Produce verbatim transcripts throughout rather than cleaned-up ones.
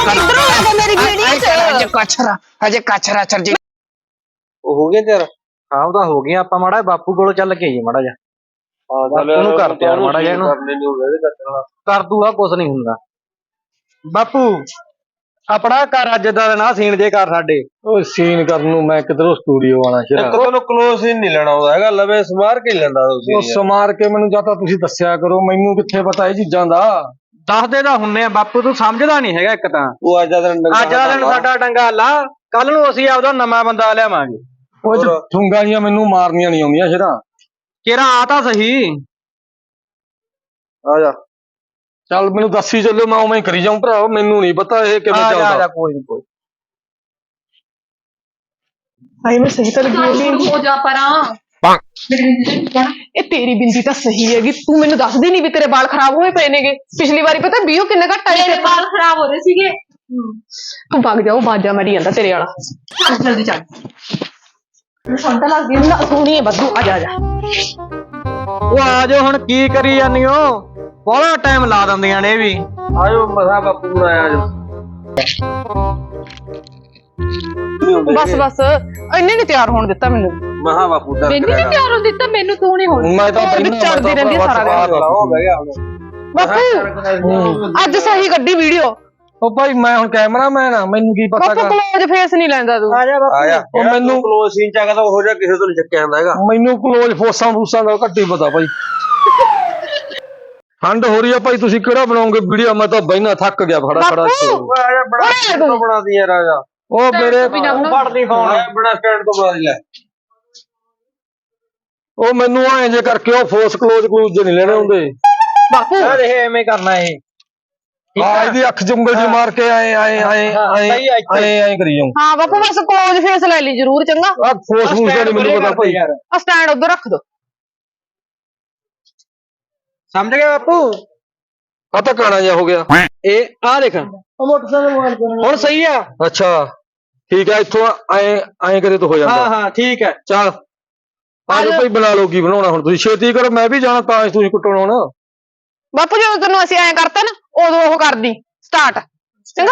किधरों आ गए मेरी वीडियो च अजे कचरा अजे कचरा चल जी ਉਹ ਹੋ ਗਿਆ ਤੇਰਾ ਹਾਂ ਉਹਦਾ ਹੋ ਗਿਆ ਆਪਾਂ ਮਾੜਾ ਬਾਪੂ ਕੋਲੋਂ ਚੱਲ ਕੇ ਆਈਏ ਮਾੜਾ ਜਾ ਬਾਪੂ ਨੂੰ ਕਰ ਤਿਆਰ ਮਾੜਾ ਜਿਹਾ ਇਹਨੂੰ ਕਰਨੇ ਨਹੀਂ ਹੁੰਦੇ ਕੱਟਣਾ ਕਰ ਦੂਗਾ ਕੁਛ ਨਹੀਂ ਹੁੰਦਾ ਬਾਪੂ ਆਪਣਾ ਘਰ ਅੱਜ ਦਾ ਨਾ ਸੀਨ ਜੇ ਕਰ ਸਾਡੇ ਉਹ ਸੀਨ ਕਰਨ ਨੂੰ ਮੈਂ ਕਿਧਰੋਂ ਸਟੂਡੀਓ ਆਣਾ ਇੱਕ ਸ਼ਰਾ ਤੁਹਾਨੂੰ ਕਲੋਜ਼ ਹੀ ਨਹੀਂ ਲੈਣਾ ਆਉਂਦਾ ਹੈਗਾ ਲਵੇ ਸਮਾਰ ਕੇ ਹੀ ਲੈਂਦਾ ਤੁਸੀਂ ਉਹ ਸਮਾਰ ਕੇ ਮੈਨੂੰ ਜਾਂ ਤਾਂ ਤੁਸੀਂ ਦੱਸਿਆ ਕਰੋ ਮੈਨੂੰ ਕਿੱਥੇ ਪਤਾ ਇਹ ਚੀਜ਼ਾਂ ਦਾ ਦੱਸਦੇ ਤਾਂ ਹੁੰਨੇ ਆ ਬਾਪੂ ਤੂੰ ਸਮਝਦਾ ਨਹੀਂ ਹੈਗਾ ਇੱਕ ਤਾਂ ਉਹ ਅੱਜ ਦਾ ਦਿਨ ਅੱਜ ਦਾ ਦਿਨ ਸਾਡਾ ਡੰਗਾ ਲਾ ਕੱਲ ਨੂੰ ਅਸੀਂ ਆਪਦਾ ਨਵਾਂ ਬੰਦਾ ਲਿਆਵਾਂਗੇ ਉਹ ਚ ਠੁੰਗਾਂ ਜੀਆਂ ਮੈਨੂੰ ਮਾਰਨੀਆਂ ਨਹੀਂ ਆਉਂਦੀਆਂ ਸ਼ਰਾ ਕਿਹੜਾ ਆ ਤਾਂ ਸਹੀ ਆ ਜਾ ਚੱਲ ਮੈਨੂੰ ਦੱਸੀ ਚੱਲੋ ਮੈਂ ਉਵੇਂ ਹੀ ਕਰੀ ਜਾਊਂ ਭਰਾ ਮੈਨੂੰ ਨਹੀਂ ਪਤਾ ਇਹ ਕਿਵੇਂ ਆ ਜਾ ਆ ਜਾ ਚੱਲਦਾ ਕੋਈ ਨਹੀਂ ਕੋਈ हाय मैं सही कर गई हो जा परा ਇਹ ਤੇਰੀ ਬਿੰਦੀ ਤਾਂ ਸਹੀ ਹੈਗੀ ਤੂੰ ਮੈਨੂੰ ਦੱਸਦੀ ਨਹੀਂ ਵੀ ਤੇਰੇ ਵਾਲ ਖਰਾਬ ਹੋਏ ਪਏ ਨੇਗੇ ਪਿਛਲੀ ਵਾਰੀ ਪਤਾ ਵੀਓ ਕਿੰਨੇ ਘੱਟ ਆਏ मेरे बाल खराब हो रहे सीगे ਤੂੰ ਵਗ ਜਾਓ ਬਾਜਾ ਮਰੀ ਜਾਂਦਾ ਤੇਰੇ ਵਾਲਾ चल जल्दी चल ਸੰਤਾ ਲੱਗ ਗਈ ਨਾ ਸੋਹਣੀ ਬੱਦੂ ਆ ਜਾ ਆ ਜਾ ਉਹ ਆ ਜਾਓ ਹੁਣ ਕੀ ਕਰੀ ਜਾਂਦੀ ਹੋ ਬੜਾ ਟਾਈਮ ਲਾ ਦਿੰਦੀਆਂ ਨੇ ਇਹ ਵੀ ਆਜੋ ਮਸਾ ਬਾਪੂ ਨੂੰ ਆਇਆ ਜੋ ਬਸ ਬਸ ਇੰਨੇ ਨਹੀਂ ਤਿਆਰ ਹੋਣ ਦਿੱਤਾ ਮੈਨੂੰ ਮਹਾ ਬਾਪੂ ਦਾ मैंने नहीं प्यार हो दिता मैनू तू नहीं हो ਮੈਂ ਤਾਂ ਹੋਰ ਵੀ ਪਹਿਲਾਂ ਚੜਦੀ ਰਹਿੰਦੀ ਆ ਸਾਰਾ ਦਿਨ। ਹੋ ਬਹਿ ਗਿਆ ਹੁਣ ਬਾਪੂ ਅੱਜ ਸਹੀ ਗੱਡੀ ਵੀਡੀਓ ਉਹ ਭਾਈ ਮੈਂ ਹੁਣ ਕੈਮਰਾਮੈਨ ਆ ਮੈਨੂੰ ਕੀ ਪਤਾ ਬਾਪੂ ਗਾ ਕਲੋਜ਼ ਫੇਸ ਨਹੀਂ ਲੈਂਦਾ ਤੂੰ ਆ ਜਾ ਆਇਆ ਉਹ ਮੈਨੂੰ- ਕਲੋਜ਼ ਸੀਨ ਚ ਆ ਤਾਂ ਹੋ ਜਾ ਕਿਸੇ ਤੋਂ ਨਹੀਂ ਚੱਕਿਆ ਜਾਂਦਾ ਹੈਗਾ ਮੈਨੂੰ ਕਲੋਜ਼ ਫੋਸਾਂ ਫੂਸਾਂ ਦਾ ਘੱਟ ਹੀ ਪਤਾ ਭਾਈ ਠੰਡ ਹੋ ਰਹੀ ਆ ਭਾਈ ਤੁਸੀਂ ਕਿਹੜਾ ਬਣਾਓਗੇ ਵੀਡੀਓ ਮੈਂ ਤਾਂ ਬਹਿਣਾ ਥੱਕ ਗਿਆ ਫੜਾ ਫੜਾ ਬਾਪੂ! ਓਏ ਆ ਜਾ ਬੜਾ ਸਟੈਂਡ ਤੋਂ ਬਣਾ ਦੀ ਯਾਰ ਆ ਜਾ ਉਹ ਮੇਰੇ ਫੜਦੀ ਫੋਨ ਆ ਬੜਾ ਸਟੈਂਡ ਤੋਂ ਬਣਾ ਦੀ ਲੈ ਉਹ ਮੈਨੂੰ ਐਂ ਜੇ ਕਰਕੇ ਉਹ ਫੋਸ ਕਲੋਜ਼ ਕਲੂਜ਼ ਜੇ ਨਹੀਂ ਲੈਣੇ ਹੁੰਦੇ ਬਾਪੂ ਆ ਦੇਖ ਐਵੇਂ ਕਰਨਾ ਇਹ ਆ ਇਹਦੀ ਅੱਖ ਚ ਉਂਗਲ ਜੀ ਮਾਰ ਕੇ ਆਏ ਆਏ ਆਏ ਆਏ ਸਹੀ ਆ ਇੱਥੇ। ਆਏ ਆਏ ਕਰੀ ਜਾਊਂ ਹਾਂ ਬਾਪੂ ਬਸ ਕਲੋਜ਼ ਫੇਸ ਲੈ ਲਈ ਜਰੂਰ ਚੰਗਾ ਆ ਫੋਸ ਫੂਸ ਦਾ ਨਹੀਂ ਮੈਨੂੰ ਪਤਾ ਭਾਈ ਯਾਰ ਆ ਸਟੈਂਡ ਉਧਰ ਰੱਖ ਦੋ ਸਮਝ ਗਿਆ ਬਾਪੂ ਆ ਤਾਂ ਕਾਣਾ ਜਿਹਾ ਹੋ ਗਿਆ ਇਹ ਆ ਦੇਖ ਹੁਣ ਸਹੀ ਆ ਅੱਛਾ ਠੀਕ ਹੈ ਇੱਥੋਂ ਐਂ ਐਂ ਕਰੇ ਤਾਂ ਹੋ ਹਾਂ ਜਾਂਦਾ ਹਾਂ ਠੀਕ ਹੈ ਚੱਲ ਆ ਜਾਓ ਭਾਈ ਬਣਾ ਲਓ ਕੀ ਬਣਾਉਣਾ ਹੁਣ ਤੁਸੀਂ ਛੇਤੀ ਕਰੋ ਮੈਂ ਵੀ ਜਾਣਾ ਤਾਂ ਤੁਸੀਂ ਕੁੱਟਣਾ ਹੁਣ ਬਾਪੂ ਜਦੋਂ ਤੈਨੂੰ ਅਸੀਂ ਐਂ ਕਰਤਾ ਨਾ ਉਦੋਂ ਉਹ ਕਰਦੀ ਸਟਾਰਟ ਚੰਗਾ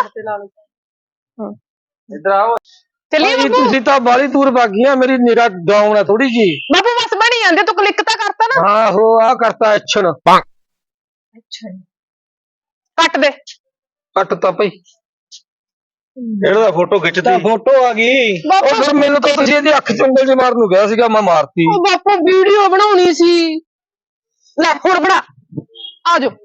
ਇਧਰ ਆਓ ਚੱਲੀਏ ਭਾਈ ਬਾਪੂ ਤੁਸੀਂ ਤਾਂ ਬਾਲੀ ਦੂਰ ਭਾਗੀਆਂ ਮੇਰੀ ਨਿਗਾਹ ਡਾਊਨ ਆ ਥੋੜੀ ਜੀ ਬਾਪੂ ਬਸ ਬਣੀ ਜਾਂਦੇ ਤੂੰ ਕਲਿੱਕ ਤਾਂ ਕਰਤਾ ਨਾ ਆਹੋ ਆ ਕਰਤਾ ਐਕਸ਼ਨ ਅੱਛਾ ਕੱਟ ਦੇ ਕੱਟ ਤਾਂ ਭਾਈ ਇਹਦਾ ਦਾ ਫੋਟੋ ਖਿੱਚਦੀ ਫੋਟੋ ਆ ਗਈ ਉਹ ਬਾਪੂ ਫਿਰ ਮੈਨੂੰ ਤਾਂ ਤੁਸੀਂ ਇਹਦੀ ਅੱਖ ਚ ਉਂਗਲ ਜੀ ਮਾਰਨ ਨੂੰ ਗਿਆ ਸੀਗਾ ਮੈਂ ਮਾਰਤੀ ਉਹ ਬਾਪੂ ਵੀਡੀਓ ਬਣਾਉਣੀ ਸੀ ਲੈ ਹੁਣ ਬਣਾ ਆ ਜਾਓ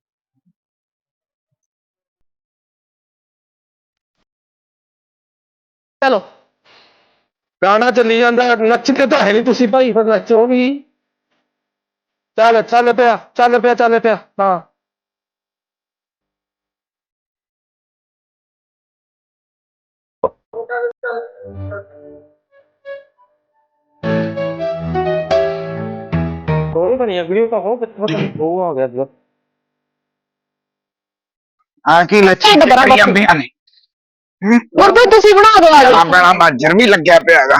ਚਲੋ ਗਾਣਾ ਚੱਲੀ ਜਾਂਦਾ ਨੱਚਦੇ ਤਾਂ ਹੈ ਨਹੀਂ ਤੁਸੀਂ ਭਾਈ ਫਿਰ ਨੱਚੋ ਵੀ ਚੱਲ ਚੱਲ ਪਿਆ ਚੱਲ ਪਿਆ ਚੱਲ ਪਿਆ ਹਾਂ ਕੋਈ ਬਣੀ ਵੀਡੀਓ ਤਾਂ ਹੋ ਕਿੱਥੇ ਉਹ ਆ ਗਿਆ आ की लच्छी ਢਿੱਡ ਬੜਾ करी अंबियां ने ਹੋਰ ਵੀ ਤੁਸੀਂ ਬਣਾ ਦਿਓ ਆ ਜਾਓ अपना माजर भी लग गया पे हैगा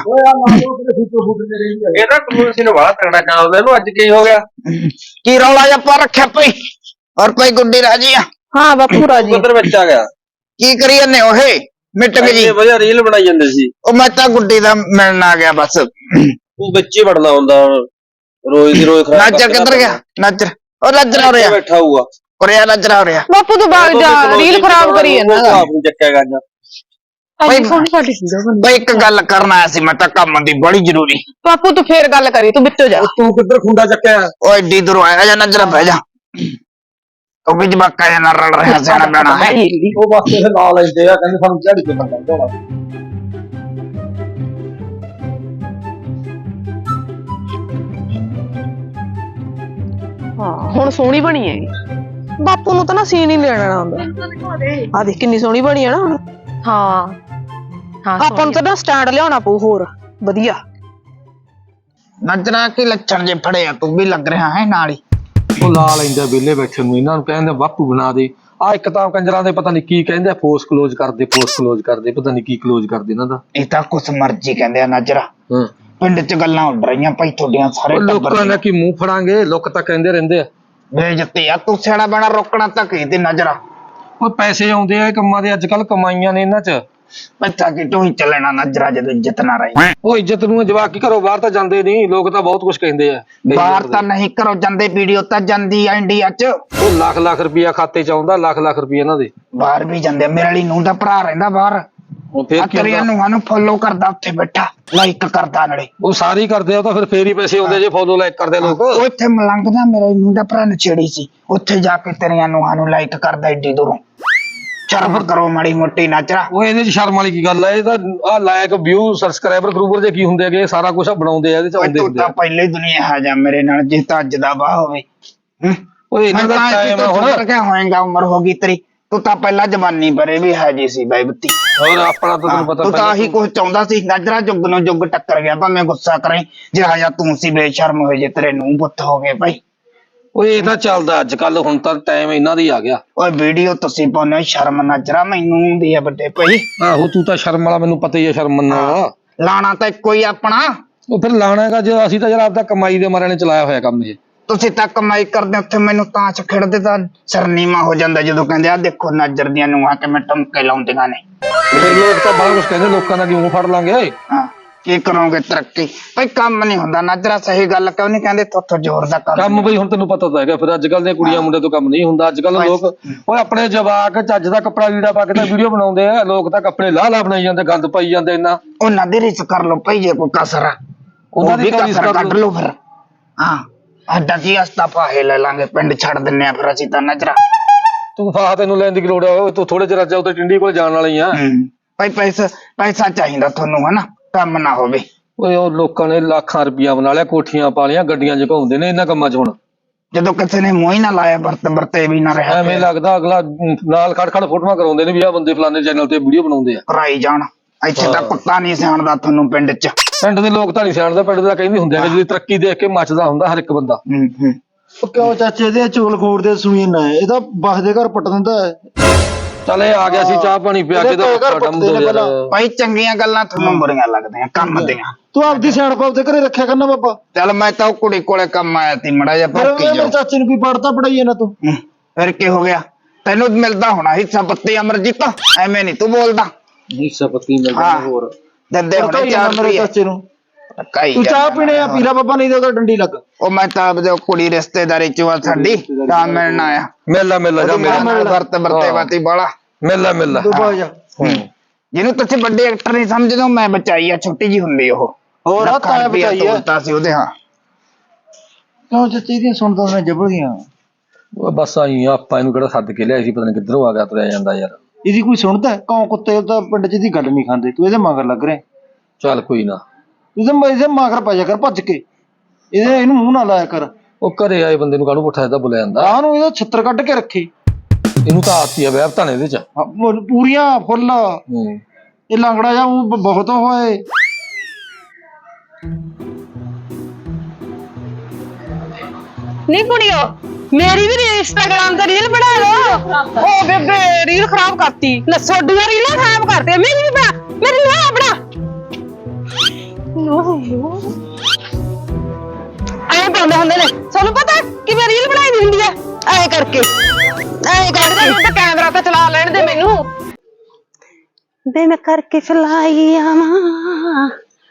ਇਹਦਾ ਕਲੋਜ਼ ਸੀਨ ਵਾਲਾ ਤਗੜਾ ਚੱਲਦਾ ਇਹਨੂੰ ਅੱਜ ਕੀ ਹੋ ਗਿਆ की रौला जप्पा रखे पई और पई गुड्डी राजी आ ਹਾਂ ਬਾਪੂ ਰਾਜੀ ਉਧਰ ਵਿੱਚ ਆ ਗਿਆ की करी जन्ने ओहे मिट गई जी ਇਹ ਵਧੀਆ ਰੀਲ ਬਣਾਈ ਜਾਂਦੇ ਸੀ ओ मैं तां गुड्डी दा मिलन आ गया बस ਤੂੰ ਬੱਚੇ ਵੜਨਾ ਹੁੰਦਾ ਰੋਜ਼ ਦੀ ਰੋਜ਼ ਖਰਾਬ नाजर किधर गया नाजर ओ नाजर हो रहा ਬੈਠਾ ਹੋਊਗਾ और यार नाजर हो रहा ਬਾਪੂ ਤੂੰ ਬਾਗ ਜਾ ਰੀਲ ਖਰਾਬ ਕਰੀ ਜਾਂਦਾ ਆਪ ਨੂੰ ਚੱਕਿਆ ਕਰਨਾ ਭਾਈ ਸੋਹਣੀ ਸਾਡੀ भाई एक गल करना आया सी मैं तां काम दी बड़ी जरूरी ਬਾਪੂ ਤੂੰ ਫੇਰ ਗੱਲ ਕਰੀ ਤੂੰ ਵਿੱਚੋਂ ਜਾ ਤੂੰ ਕਿੱਧਰ ਖੁੰਡਾ ਚੱਕਿਆ ओ एडी दूर आया जा नजर बह जा ओ भी जबाका या ना रल रहा जाना बैना है ਉਹ ਬਸ ਇਹ ਲਾ ਲੈਂਦੇ ਆ ਕਹਿੰਦੇ ਸਾਨੂੰ ਝਾੜੀ ਤੇ ਬੰਦਾ ਦੋੜਾ ਹਾਂ ਹੁਣ ਸੋਹਣੀ ਬਣੀ ਹੈ ਬਾਪੂ ਨੂੰ ਤਾਂ ਨਾ ਸੀਨ ਹੀ ਲੈਣਾ ਆਉਂਦਾ ਆ ਦੇਖ ਕਿੰਨੀ ਸੋਹਣੀ ਬਣੀ ਹੈ ਨਾ ਹੁਣ ਹਾਂ हाँ ਆਪਾਂ ਨੂੰ ਤਾਂ ਨਾ ਸਟੈਂਡ ਲਿਆਉਣਾ ਪਊ ਹੋਰ ਵਧੀਆ नजरा की लक्षण जे फड़े आ तू भी लग रहा है नाली ਉਹ ਲਾ ਲੈਂਦੇ ਵਿਹਲੇ ਬੈਠੇ ਨੂੰ ਇਹਨਾਂ ਨੂੰ ਕਹਿੰਦੇ ਬਾਪੂ ਬਣਾ ਦੇ ਆ ਇੱਕ ਤਾਂ ਕੰਜਰਾਂ ਦੇ ਪਤਾ ਨਹੀਂ ਕੀ ਕਹਿੰਦੇ ਫੋਰਸ ਕਲੋਜ਼ ਕਰਦੇ ਫੋਰਸ ਕਲੋਜ਼ ਕਰਦੇ ਪਤਾ ਨਹੀਂ ਕੀ ਕਲੋਜ਼ ਕਰਦੇ ਇਹਨਾਂ ਦਾ ਇਹ ਤਾਂ ਕੁਛ ਮਰਜ਼ੀ ਕਹਿੰਦੇ ਆ ਨਜਰਾ ਹਾਂ ਪਿੰਡ ਚ ਗੱਲਾਂ ਉੱਡ ਰਹੀਆਂ ਭਾਈ ਤੁਹਾਡੀਆਂ ਸਾਰੇ ਟੱਬਰ ਲੋਕਾਂ ਨੇ ਕੀ ਮੂੰਹ ਫੜਾਂਗੇ ਲੋਕ ਤਾਂ ਕਹਿੰਦੇ ਰਹਿੰਦੇ ਆ ਬੇਇੱਜ਼ਤੀ ਆ ਤੂੰ ਸਿਆਣਾ ਬਣਾ ਰੋਕਣਾ ਤਾਂ ਕੀ ਤੇ ਨਜਰਾ ਕੋਈ ਪੈਸੇ ਆਉਂਦੇ ਆ ਇਹ ਕੰਮਾਂ ਦੇ, ਅੱਜ ਕੱਲ ਕਮਾਈਆਂ ਨੇ ਇਹਨਾਂ 'ਚ। ਬੱਚਾ ਕਿ ਤੂੰ ਹੀ ਚੱਲਣਾ ਨਜ਼ਰਾ ਜਦੋਂ ਇੱਜ਼ਤ ਨਾ ਰਹੀ। ਉਹ ਇੱਜ਼ਤ ਨੂੰ ਜਵਾਕ ਕੀ ਘਰੋਂ ਬਾਹਰ ਤਾਂ ਜਾਂਦੇ ਨਹੀਂ, ਲੋਕ ਤਾਂ ਬਹੁਤ ਕੁਝ ਕਹਿੰਦੇ ਆ। ਬਾਹਰ ਤਾਂ ਨਹੀਂ ਕਰੋ ਜਾਂਦੇ, ਵੀਡੀਓ ਤਾਂ ਜਾਂਦੀ ਆ ਇੰਡੀਆ ਚ। ਉਹ ਲੱਖ ਲੱਖ ਰੁਪਇਆ ਖਾਤੇ 'ਚ ਆਉਂਦਾ, ਲੱਖ ਲੱਖ ਰੁਪਇਆ ਇਹਨਾਂ ਦੇ। ਬਾਹਰ ਵੀ ਜਾਂਦੇ, ਮੇਰੇ ਲਈ ਨੂੰ ਦਾ ਭਰਾ ਰਹਿੰਦਾ ਬਾਹਰ, ਉਹ ਫਿਰ ਕੀ ਤੇਰੀਆਂ ਹੁੰਦਾ? ਨੂੰਹਾਂ ਨੂੰ ਫੋਲੋ ਕਰਦਾ, ਉੱਥੇ ਬੈਠਾ ਲਾਈਕ ਕਰਦਾ ਨਾਲੇ। ਉਹ ਸਾਰੇ ਹੀ ਕਰਦੇ ਆ, ਉਹ ਤਾਂ ਫਿਰ ਫੇਰ ਹੀ ਪੈਸੇ ਆਉਂਦੇ ਜੇ ਫੋਲੋ ਲਾਈਕ ਕਰਦੇ ਲੋਕ। ਉਹ ਇੱਥੇ ਮਲੰਗਦਾ, ਮੇਰੇ ਨੂੰ ਦਾ ਭਰਾ ਨਛੇੜੀ ਸੀ, ਉੱਥੇ ਜਾ ਕੇ ਤੇਰੀਆਂ ਨੂੰਹਾਂ ਨੂੰ ਲਾਈਕ ਕਰਦਾ ਏਡੀ ਦੂਰੋਂ। ਸ਼ਰਮ ਕਰੋ ਮਾੜੀ ਮੋਟੀ ਨਾਚਰਾ। ਉਹ ਇਹਦੇ 'ਚ ਸ਼ਰਮ ਵਾਲੀ ਕੀ ਗੱਲ ਹੈ? ਇਹ ਤਾਂ ਆ ਲਾਇਕ ਵਿਊ ਸਬਸਕ੍ਰਾਈਬਰ ਗਰੂਪਰ ਜੇ ਕੀ ਹੁੰਦੇ ਹੈਗੇ, ਸਾਰਾ ਕੁਝ ਬਣਾਉਂਦੇ ਆ ਇਹਦੇ 'ਚ, ਆਉਂਦੇ ਤੂੰ ਹੁੰਦੇ ਤਾਂ ਆ। ਪਹਿਲੇ ਦੁਨੀਆ ਆ ਜਾ ਮੇਰੇ ਨਾਲ, ਜੇ ਤਾਂ ਅੱਜ ਦਾ ਵਾਹ ਹੋਵੇ। ਹੂੰ ਉਹ ਇਹਨਾਂ ਦਾ ਟਾਈਮ ਆ ਹੁਣ। ਕਿਆ ਹੋਏਗਾ, ਉਮਰ ਹੋ ਗਈ ਤੇਰੀ, ਤੂੰ ਤਾਂ ਪਹਿਲਾਂ ਜਵਾਨੀ ਬਰੇ ਵੀ ਹੈ ਜੀ ਸੀ ਬਾਈ ਬੱਤੀ। ਹੋਰ ਆਪਣਾ ਤਾਂ ਤੈਨੂੰ ਪਤਾ ਤੂੰ ਤਾਂ ਆਹੀ ਕੁਝ ਚਾਹੁੰਦਾ ਸੀ, ਨਜ਼ਰਾ ਜੁਗ ਨੂੰ ਜੁਗ ਟੱਕਰ ਗਿਆ, ਭਾਵੇਂ ਗੁੱਸਾ ਕਰੇ ਜਿਹੜਾ ਜਾਂ ਤੂੰ ਸੀ ਬੇਸ਼ਰਮ ਹੋਏ ਜੇ ਤੇਰੇ ਨੂੰ ਪੁੱਤ ਹੋ ਗਏ ਭਾਈ। ਉਹ ਇਹ ਤਾਂ ਚੱਲਦਾ ਅੱਜ ਕੱਲ, ਹੁਣ ਤਾਂ ਟਾਈਮ ਇਹਨਾਂ ਦਾ ਹੀ ਆ ਗਿਆ। ਓਏ ਵੀਡੀਓ ਤੁਸੀਂ ਪਾਉਨੇ ਹੋ, ਸ਼ਰਮ ਨਜ਼ਰਾ ਮੈਨੂੰ ਹੁੰਦੀ ਆ ਵੱਡੇ ਭਾਈ। ਆਹੋ ਤੂੰ ਤਾਂ ਸ਼ਰਮ ਵਾਲਾ, ਮੈਨੂੰ ਪਤਾ ਹੀ ਹੈ ਸ਼ਰਮ ਮੰਨਣਾ। ਲਾਣਾ ਤਾਂ ਇੱਕੋ ਹੀ ਆਪਣਾ। ਉਹ ਫਿਰ ਲਾਣਾ ਹੈਗਾ ਜੇ, ਅਸੀਂ ਤਾਂ ਯਾਰ ਆਪਦਾ ਕਮਾਈ ਦੇ ਮਾਰਿਆਂ ਨੇ ਚਲਾਇਆ ਹੋਇਆ ਕੰਮ ਇਹ। ਤੁਸੀਂ ਤਾਂ ਕਮਾਈ ਕਰਦੇ, ਉੱਥੇ ਮੈਨੂੰ ਤਾਂ ਚ ਖੇਡਦੇ ਤਾਂ ਸਰਨੀਮਾ ਹੋ ਜਾਂਦਾ ਜਦੋਂ ਕਹਿੰਦੇ ਆ ਦੇਖੋ ਨਜ਼ਰ ਦੀਆਂ ਨੂੰਹਾਂ ਕਿਵੇਂ ਟਮਕੇ ਲਾਉਂਦੀਆਂ ਨੇ। ਫਿਰ ਲੋਕ ਤਾਂ ਬੜਾ ਕੁਝ ਕਹਿੰਦੇ, ਲੋਕਾਂ ਦਾ ਕਿਉਂ ਫੜ ਲਾਂਗੇ। ਹਾਂ ਕੀ ਕਰੋਗੇ ਤਰੱਕੀ ਭਾਈ, ਕੰਮ ਨਹੀਂ ਹੁੰਦਾ ਨਜ਼ਰਾ। ਸਹੀ ਗੱਲ ਕਿਉਂ ਨਹੀਂ ਕਹਿੰਦੇ, ਥੋਥੋਂ ਜ਼ੋਰ ਦਾ ਕੰਮ। ਕੰਮ ਬਈ ਹੁਣ ਤੈਨੂੰ ਪਤਾ ਤਾਂ ਹੈਗਾ, ਫਿਰ ਅੱਜ ਕੱਲ ਦੀਆਂ ਕੁੜੀਆਂ ਮੁੰਡੇ ਤੋਂ ਕੰਮ ਨਹੀਂ ਹੁੰਦਾ। ਅੱਜ ਕੱਲ ਲੋਕ ਓਏ ਆਪਣੇ ਜਵਾਕ ਚੱਜ ਦਾ ਕੱਪੜਾ ਲੀੜਾ ਪਾ ਕੇ ਤਾਂ ਵੀਡੀਓ ਬਣਾਉਂਦੇ ਆ, ਲੋਕ ਤਾਂ ਕੱਪੜੇ ਲਾਹ ਲਾ ਬਣਾਈ ਜਾਂਦੇ, ਗੰਦ ਪਾਈ ਜਾਂਦੇ ਇੰਨਾ। ਉਹਨਾਂ ਦੀ ਰੀਸ ਕਰ ਲੋ ਭਾਈ, ਜੇ ਕੋਈ ਕਸਰ ਆ ਉਹਨਾਂ ਦੀ ਕਸਰ ਰੀਸ ਕੱਢ ਲੋ ਫਿਰ। ਹਾਂ ਅੱਡਾ ਕੀ ਅਸਤਾਫਾ ਹੈ, ਲੈ ਲਾਂਗੇ, ਪਿੰਡ ਛੱਡ ਦਿੰਨੇ ਆ ਫਿਰ ਅਸੀਂ ਤਾਂ ਨਜ਼ਰਾ। ਤੂੰ ਫਾਹ ਤੈਨੂੰ ਲੈਣ ਦੀ ਕੀ ਲੋੜ ਆ? ਤੂੰ ਥੋੜੇ ਚਿਰ ਚੱਲ ਤੇ ਟਿੰਡੀ ਕੋਲ ਜਾਣ ਵਾਲੀ ਆ। ਭਾਈ ਪੈਸਾ ਪੈਸਾ ਚਾਹੀਦਾ ਤੁਹਾਨੂੰ, ਹਨਾ, ਕੰਮ ਨਾ ਹੋਵੇ। ਓਏ ਉਹ ਲੋਕਾਂ ਨੇ ਲੱਖਾਂ ਰੁਪਈਆ ਬਣਾ ਲਿਆ, ਕੋਠੀਆਂ ਪਾ ਲਿਆ, ਗੱਡੀਆਂ 'ਚ ਘੁੰਮਦੇ ਨੇ ਇਹਨਾਂ ਕੰਮਾਂ 'ਚ। ਹੁਣ ਜਦੋਂ ਕਿਸੇ ਨੇ ਮੂੰਹ ਹੀ ਨਾ ਲਾਇਆ, ਵਰਤ ਵਰਤੇ ਵੀ ਨਾ ਰਿਹਾ, ਐਵੇਂ ਲੱਗਦਾ ਅਗਲਾ ਨਾਲ ਖੜ ਖੜ ਫੋਟੋਆਂ ਕਰਾਉਂਦੇ ਨੇ ਵੀ ਆਹ ਬੰਦੇ ਫਲਾਣੇ ਚੈਨਲ ਤੇ ਵੀਡੀਓ ਬਣਾਉਂਦੇ ਆ। ਕਰਾਈ ਜਾਣ। ਇੱਥੇ ਤਾਂ ਕੁੱਤਾ ਨਹੀਂ ਸਿਆਣਦਾ ਤੁਹਾਨੂੰ ਪਿੰਡ 'ਚ। ਪਿੰਡ ਦੇ ਲੋਕ ਤਾਂ ਨਹੀਂ ਸਿਆਣਦੇ, ਪਿੰਡ ਦਾ ਕਹਿੰਦੇ ਹੁੰਦੇ ਆ ਕਿ ਜਿਹਦੀ ਤਰੱਕੀ ਦੇਖ ਕੇ ਮੱਚਦਾ ਹੁੰਦਾ ਹਰ ਇੱਕ ਬੰਦਾ। ਹੂੰ ਹੂੰ ਉਹ ਕਿਉਂ ਚਾਚੇ ਦੇ ਚੋਲ ਖੋੜਦੇ ਸੁਣੀ ਨਾ, ਇਹ ਤਾਂ ਬਸ ਦੇ ਘਰ ਪੱਟ ਦਿੰਦਾ ਹੈ। ਚੱਲ ਇਹ ਆ ਗਿਆ ਸੀ, ਚਾਹ ਪਾਣੀ ਪਿਆ ਕੇ ਤਾਂ ਯਾਰ। ਭਾਈ ਚੰਗੀਆਂ ਗੱਲਾਂ ਤੁਹਾਨੂੰ ਬੁਰੀਆਂ ਲੱਗਦੀਆਂ ਕੰਮ ਦੀਆਂ। ਤੂੰ ਆਪਦੀ ਸਿਆਣਪ ਆਪਦੇ ਘਰੇ ਰੱਖਿਆ ਕਰਨਾ ਬਾਬਾ। ਚੱਲ ਮੈਂ ਤਾਂ ਉਹ ਕੁੜੀ ਕੋਲੇ ਕੰਮ ਆਇਆ ਸੀ, ਮੜਾ ਜਿਹਾ ਫਿਰ ਭੌਂਕੀ ਮੇਰੇ ਜਾਓ। ਚਾਚੇ ਨੂੰ ਕੀ ਪੜਦਾ ਪੜਾਈ ਇਹਨਾਂ ਤੂੰ। ਹੂੰ, ਫਿਰ ਕੀ ਹੋ ਗਿਆ, ਤੈਨੂੰ ਮਿਲਦਾ ਹੋਣਾ ਹਿੱਸਾ ਪੱਤੀ ਅਮਰਜੀਤ, ਐਵੇਂ ਨਹੀਂ ਤੂੰ ਬੋਲਦਾ। ਹਿੱਸਾ ਪੱਤੀ ਮਿਲਦਾ ਹਾਂ। ਹੋਰ ਦਿੰਦੇ ਹੋਣੇ ਪੜਦਾ ਚਾਰ ਮੇਰੇ ਰੁਪਏ। ਚਾਚੇ ਨੂੰ। ਕਾਈ ਤੂੰ ਚਾਹ ਪੀਣੇ ਆ ਪੀਲਾ ਬਾਬਾ, ਨਹੀਂ ਤੇ ਉਹਦਾ ਡੰਡੀ ਲੱਗ। ਉਹ ਮੈਂ ਤਾਂ ਆਪਦੇ ਉਹ ਕੁੜੀ ਰਿਸ਼ਤੇਦਾਰੀ ਚ ਵਾ ਸਾਡੀ, ਤਾਂ ਮਿਲਣ ਆਇਆ। ਮਿਲਦਾ ਮਿਲਦਾ ਜਾ ਮੇਰਾ ਮਿਲਦਾ ਵਰਤ ਵਰਤੇ ਵਾਤੀ ਬਾਲਾ। ਮਿਲਦਾ ਮਿਲਦਾ ਤੂੰ ਬਾਜ ਜਾ। ਜਿਹਨੂੰ ਤੁਸੀਂ ਵੱਡੇ ਐਕਟਰ ਨਹੀਂ ਸਮਝਦੇ, ਮੈਂ ਬਚਾਈ ਆ, ਛੋਟੀ ਜੀ ਹੁੰਦੀ ਉਹ। ਹੋਰ ਆ ਲੱਖਾਂ ਤਾਂ ਰੁਪਇਆ ਬਚਾਈ ਆ। ਤੋਲਤਾ ਸੀ ਉਹਦੇ। ਹਾਂ ਕਿਉਂ ਚਾਚੇ ਦੀਆਂ ਸੁਣਦਾ ਮੈਂ ਜਬੜੀਆਂ। ਉਹ ਬਸ ਆਈ ਆਪਾਂ ਇਹਨੂੰ ਕਿਹੜਾ ਸੱਦ ਕੇ ਲਿਆਈ ਸੀ, ਪਤਾ ਨਹੀਂ ਕਿੱਧਰੋਂ ਆ ਗਿਆ ਤੁਰਿਆ ਜਾਂਦਾ ਯਾਰ। ਇਹਦੀ ਕੋਈ ਸੁਣਦਾ ਕੌਂ ਕੁੱਤੇ ਤਾਂ ਪਿੰਡ 'ਚ ਦੀ ਗੱਲ ਨਹੀਂ ਖਾਂਦੇ, ਤੂੰ ਇਹਦੇ ਮਗਰ ਲੱਗ ਰਿਹਾ। ਚੱਲ ਕੋਈ ਨਾ, ਇਹਦੇ ਇਹਦੇ ਮਗਰ ਪੈ ਜਾ ਕਰ ਭੱਜ ਕੇ, ਇਹਦੇ ਇਹਨੂੰ ਮੂੰਹ ਨਾ ਲਾਇਆ ਕਰ। ਉਹ ਘਰੇ ਆਏ ਬੰਦੇ ਨੂੰ ਕਾਹਨੂੰ ਪੁੱਠਾ ਇਹਦਾ ਬੁਲਾਇਆ ਜਾਂਦਾ। ਆਹ ਨੂੰ ਇਹਦਾ ਛਿੱਤਰ ਕੱਢ ਕੇ ਰੱਖੇ। ਇਹਨੂੰ ਤਾਂ ਆਤੀ ਆ ਵਹਿਬਤਾਂ ਨੇ ਇਹਦੇ 'ਚ। ਹਾਂ, ਪੂ- ਪੂਰੀਆਂ ਫੁੱਲ। ਹੂੰ ਇਹ ਲੰਗੜਾ ਜਾ ਊਂ ਬ- ਬਹੁਤ ਹੋਏ। ਨਹੀਂ ਕੁੜੀਓ, ਮੇਰੀ ਵੀ ਇੰਸਟਾਗ੍ਰਾਮ ਤੇ ਰੀਲ ਬਣਾ ਲਓ। ਓ ਬੇਬੇ ਰੀਲ ਖਰਾਬ ਕਰਤੀ, ਲੈ ਸੋਡੀਆਂ ਰੀਲਾਂ ਖਰਾਬ ਕਰਤੇ, ਮੇਰੀ ਵੀ ਬਣਾ, ਮੇਰੀ ਨਾ ਬਣਾ। ਐਂ ਪਾਉਂਦੇ ਹੁੰਦੇ ਨੇ, ਤੁਹਾਨੂੰ ਪਤਾ ਕਿਵੇਂ ਰੀਲ ਬਣਾਈ ਦੀ ਹੁੰਦੀ ਹੈ? ਐਂ ਕਰਕੇ, ਐਂ ਕਰਕੇ। ਹੁਣ ਤਾਂ ਕੈਮਰਾ ਤੇ ਚਲਾ ਲੈਣ ਦੇ ਮੈਨੂੰ। ਬੇ ਮੈਂ ਕਰਕੇ ਫਲਾਈ ਆਵਾਂ।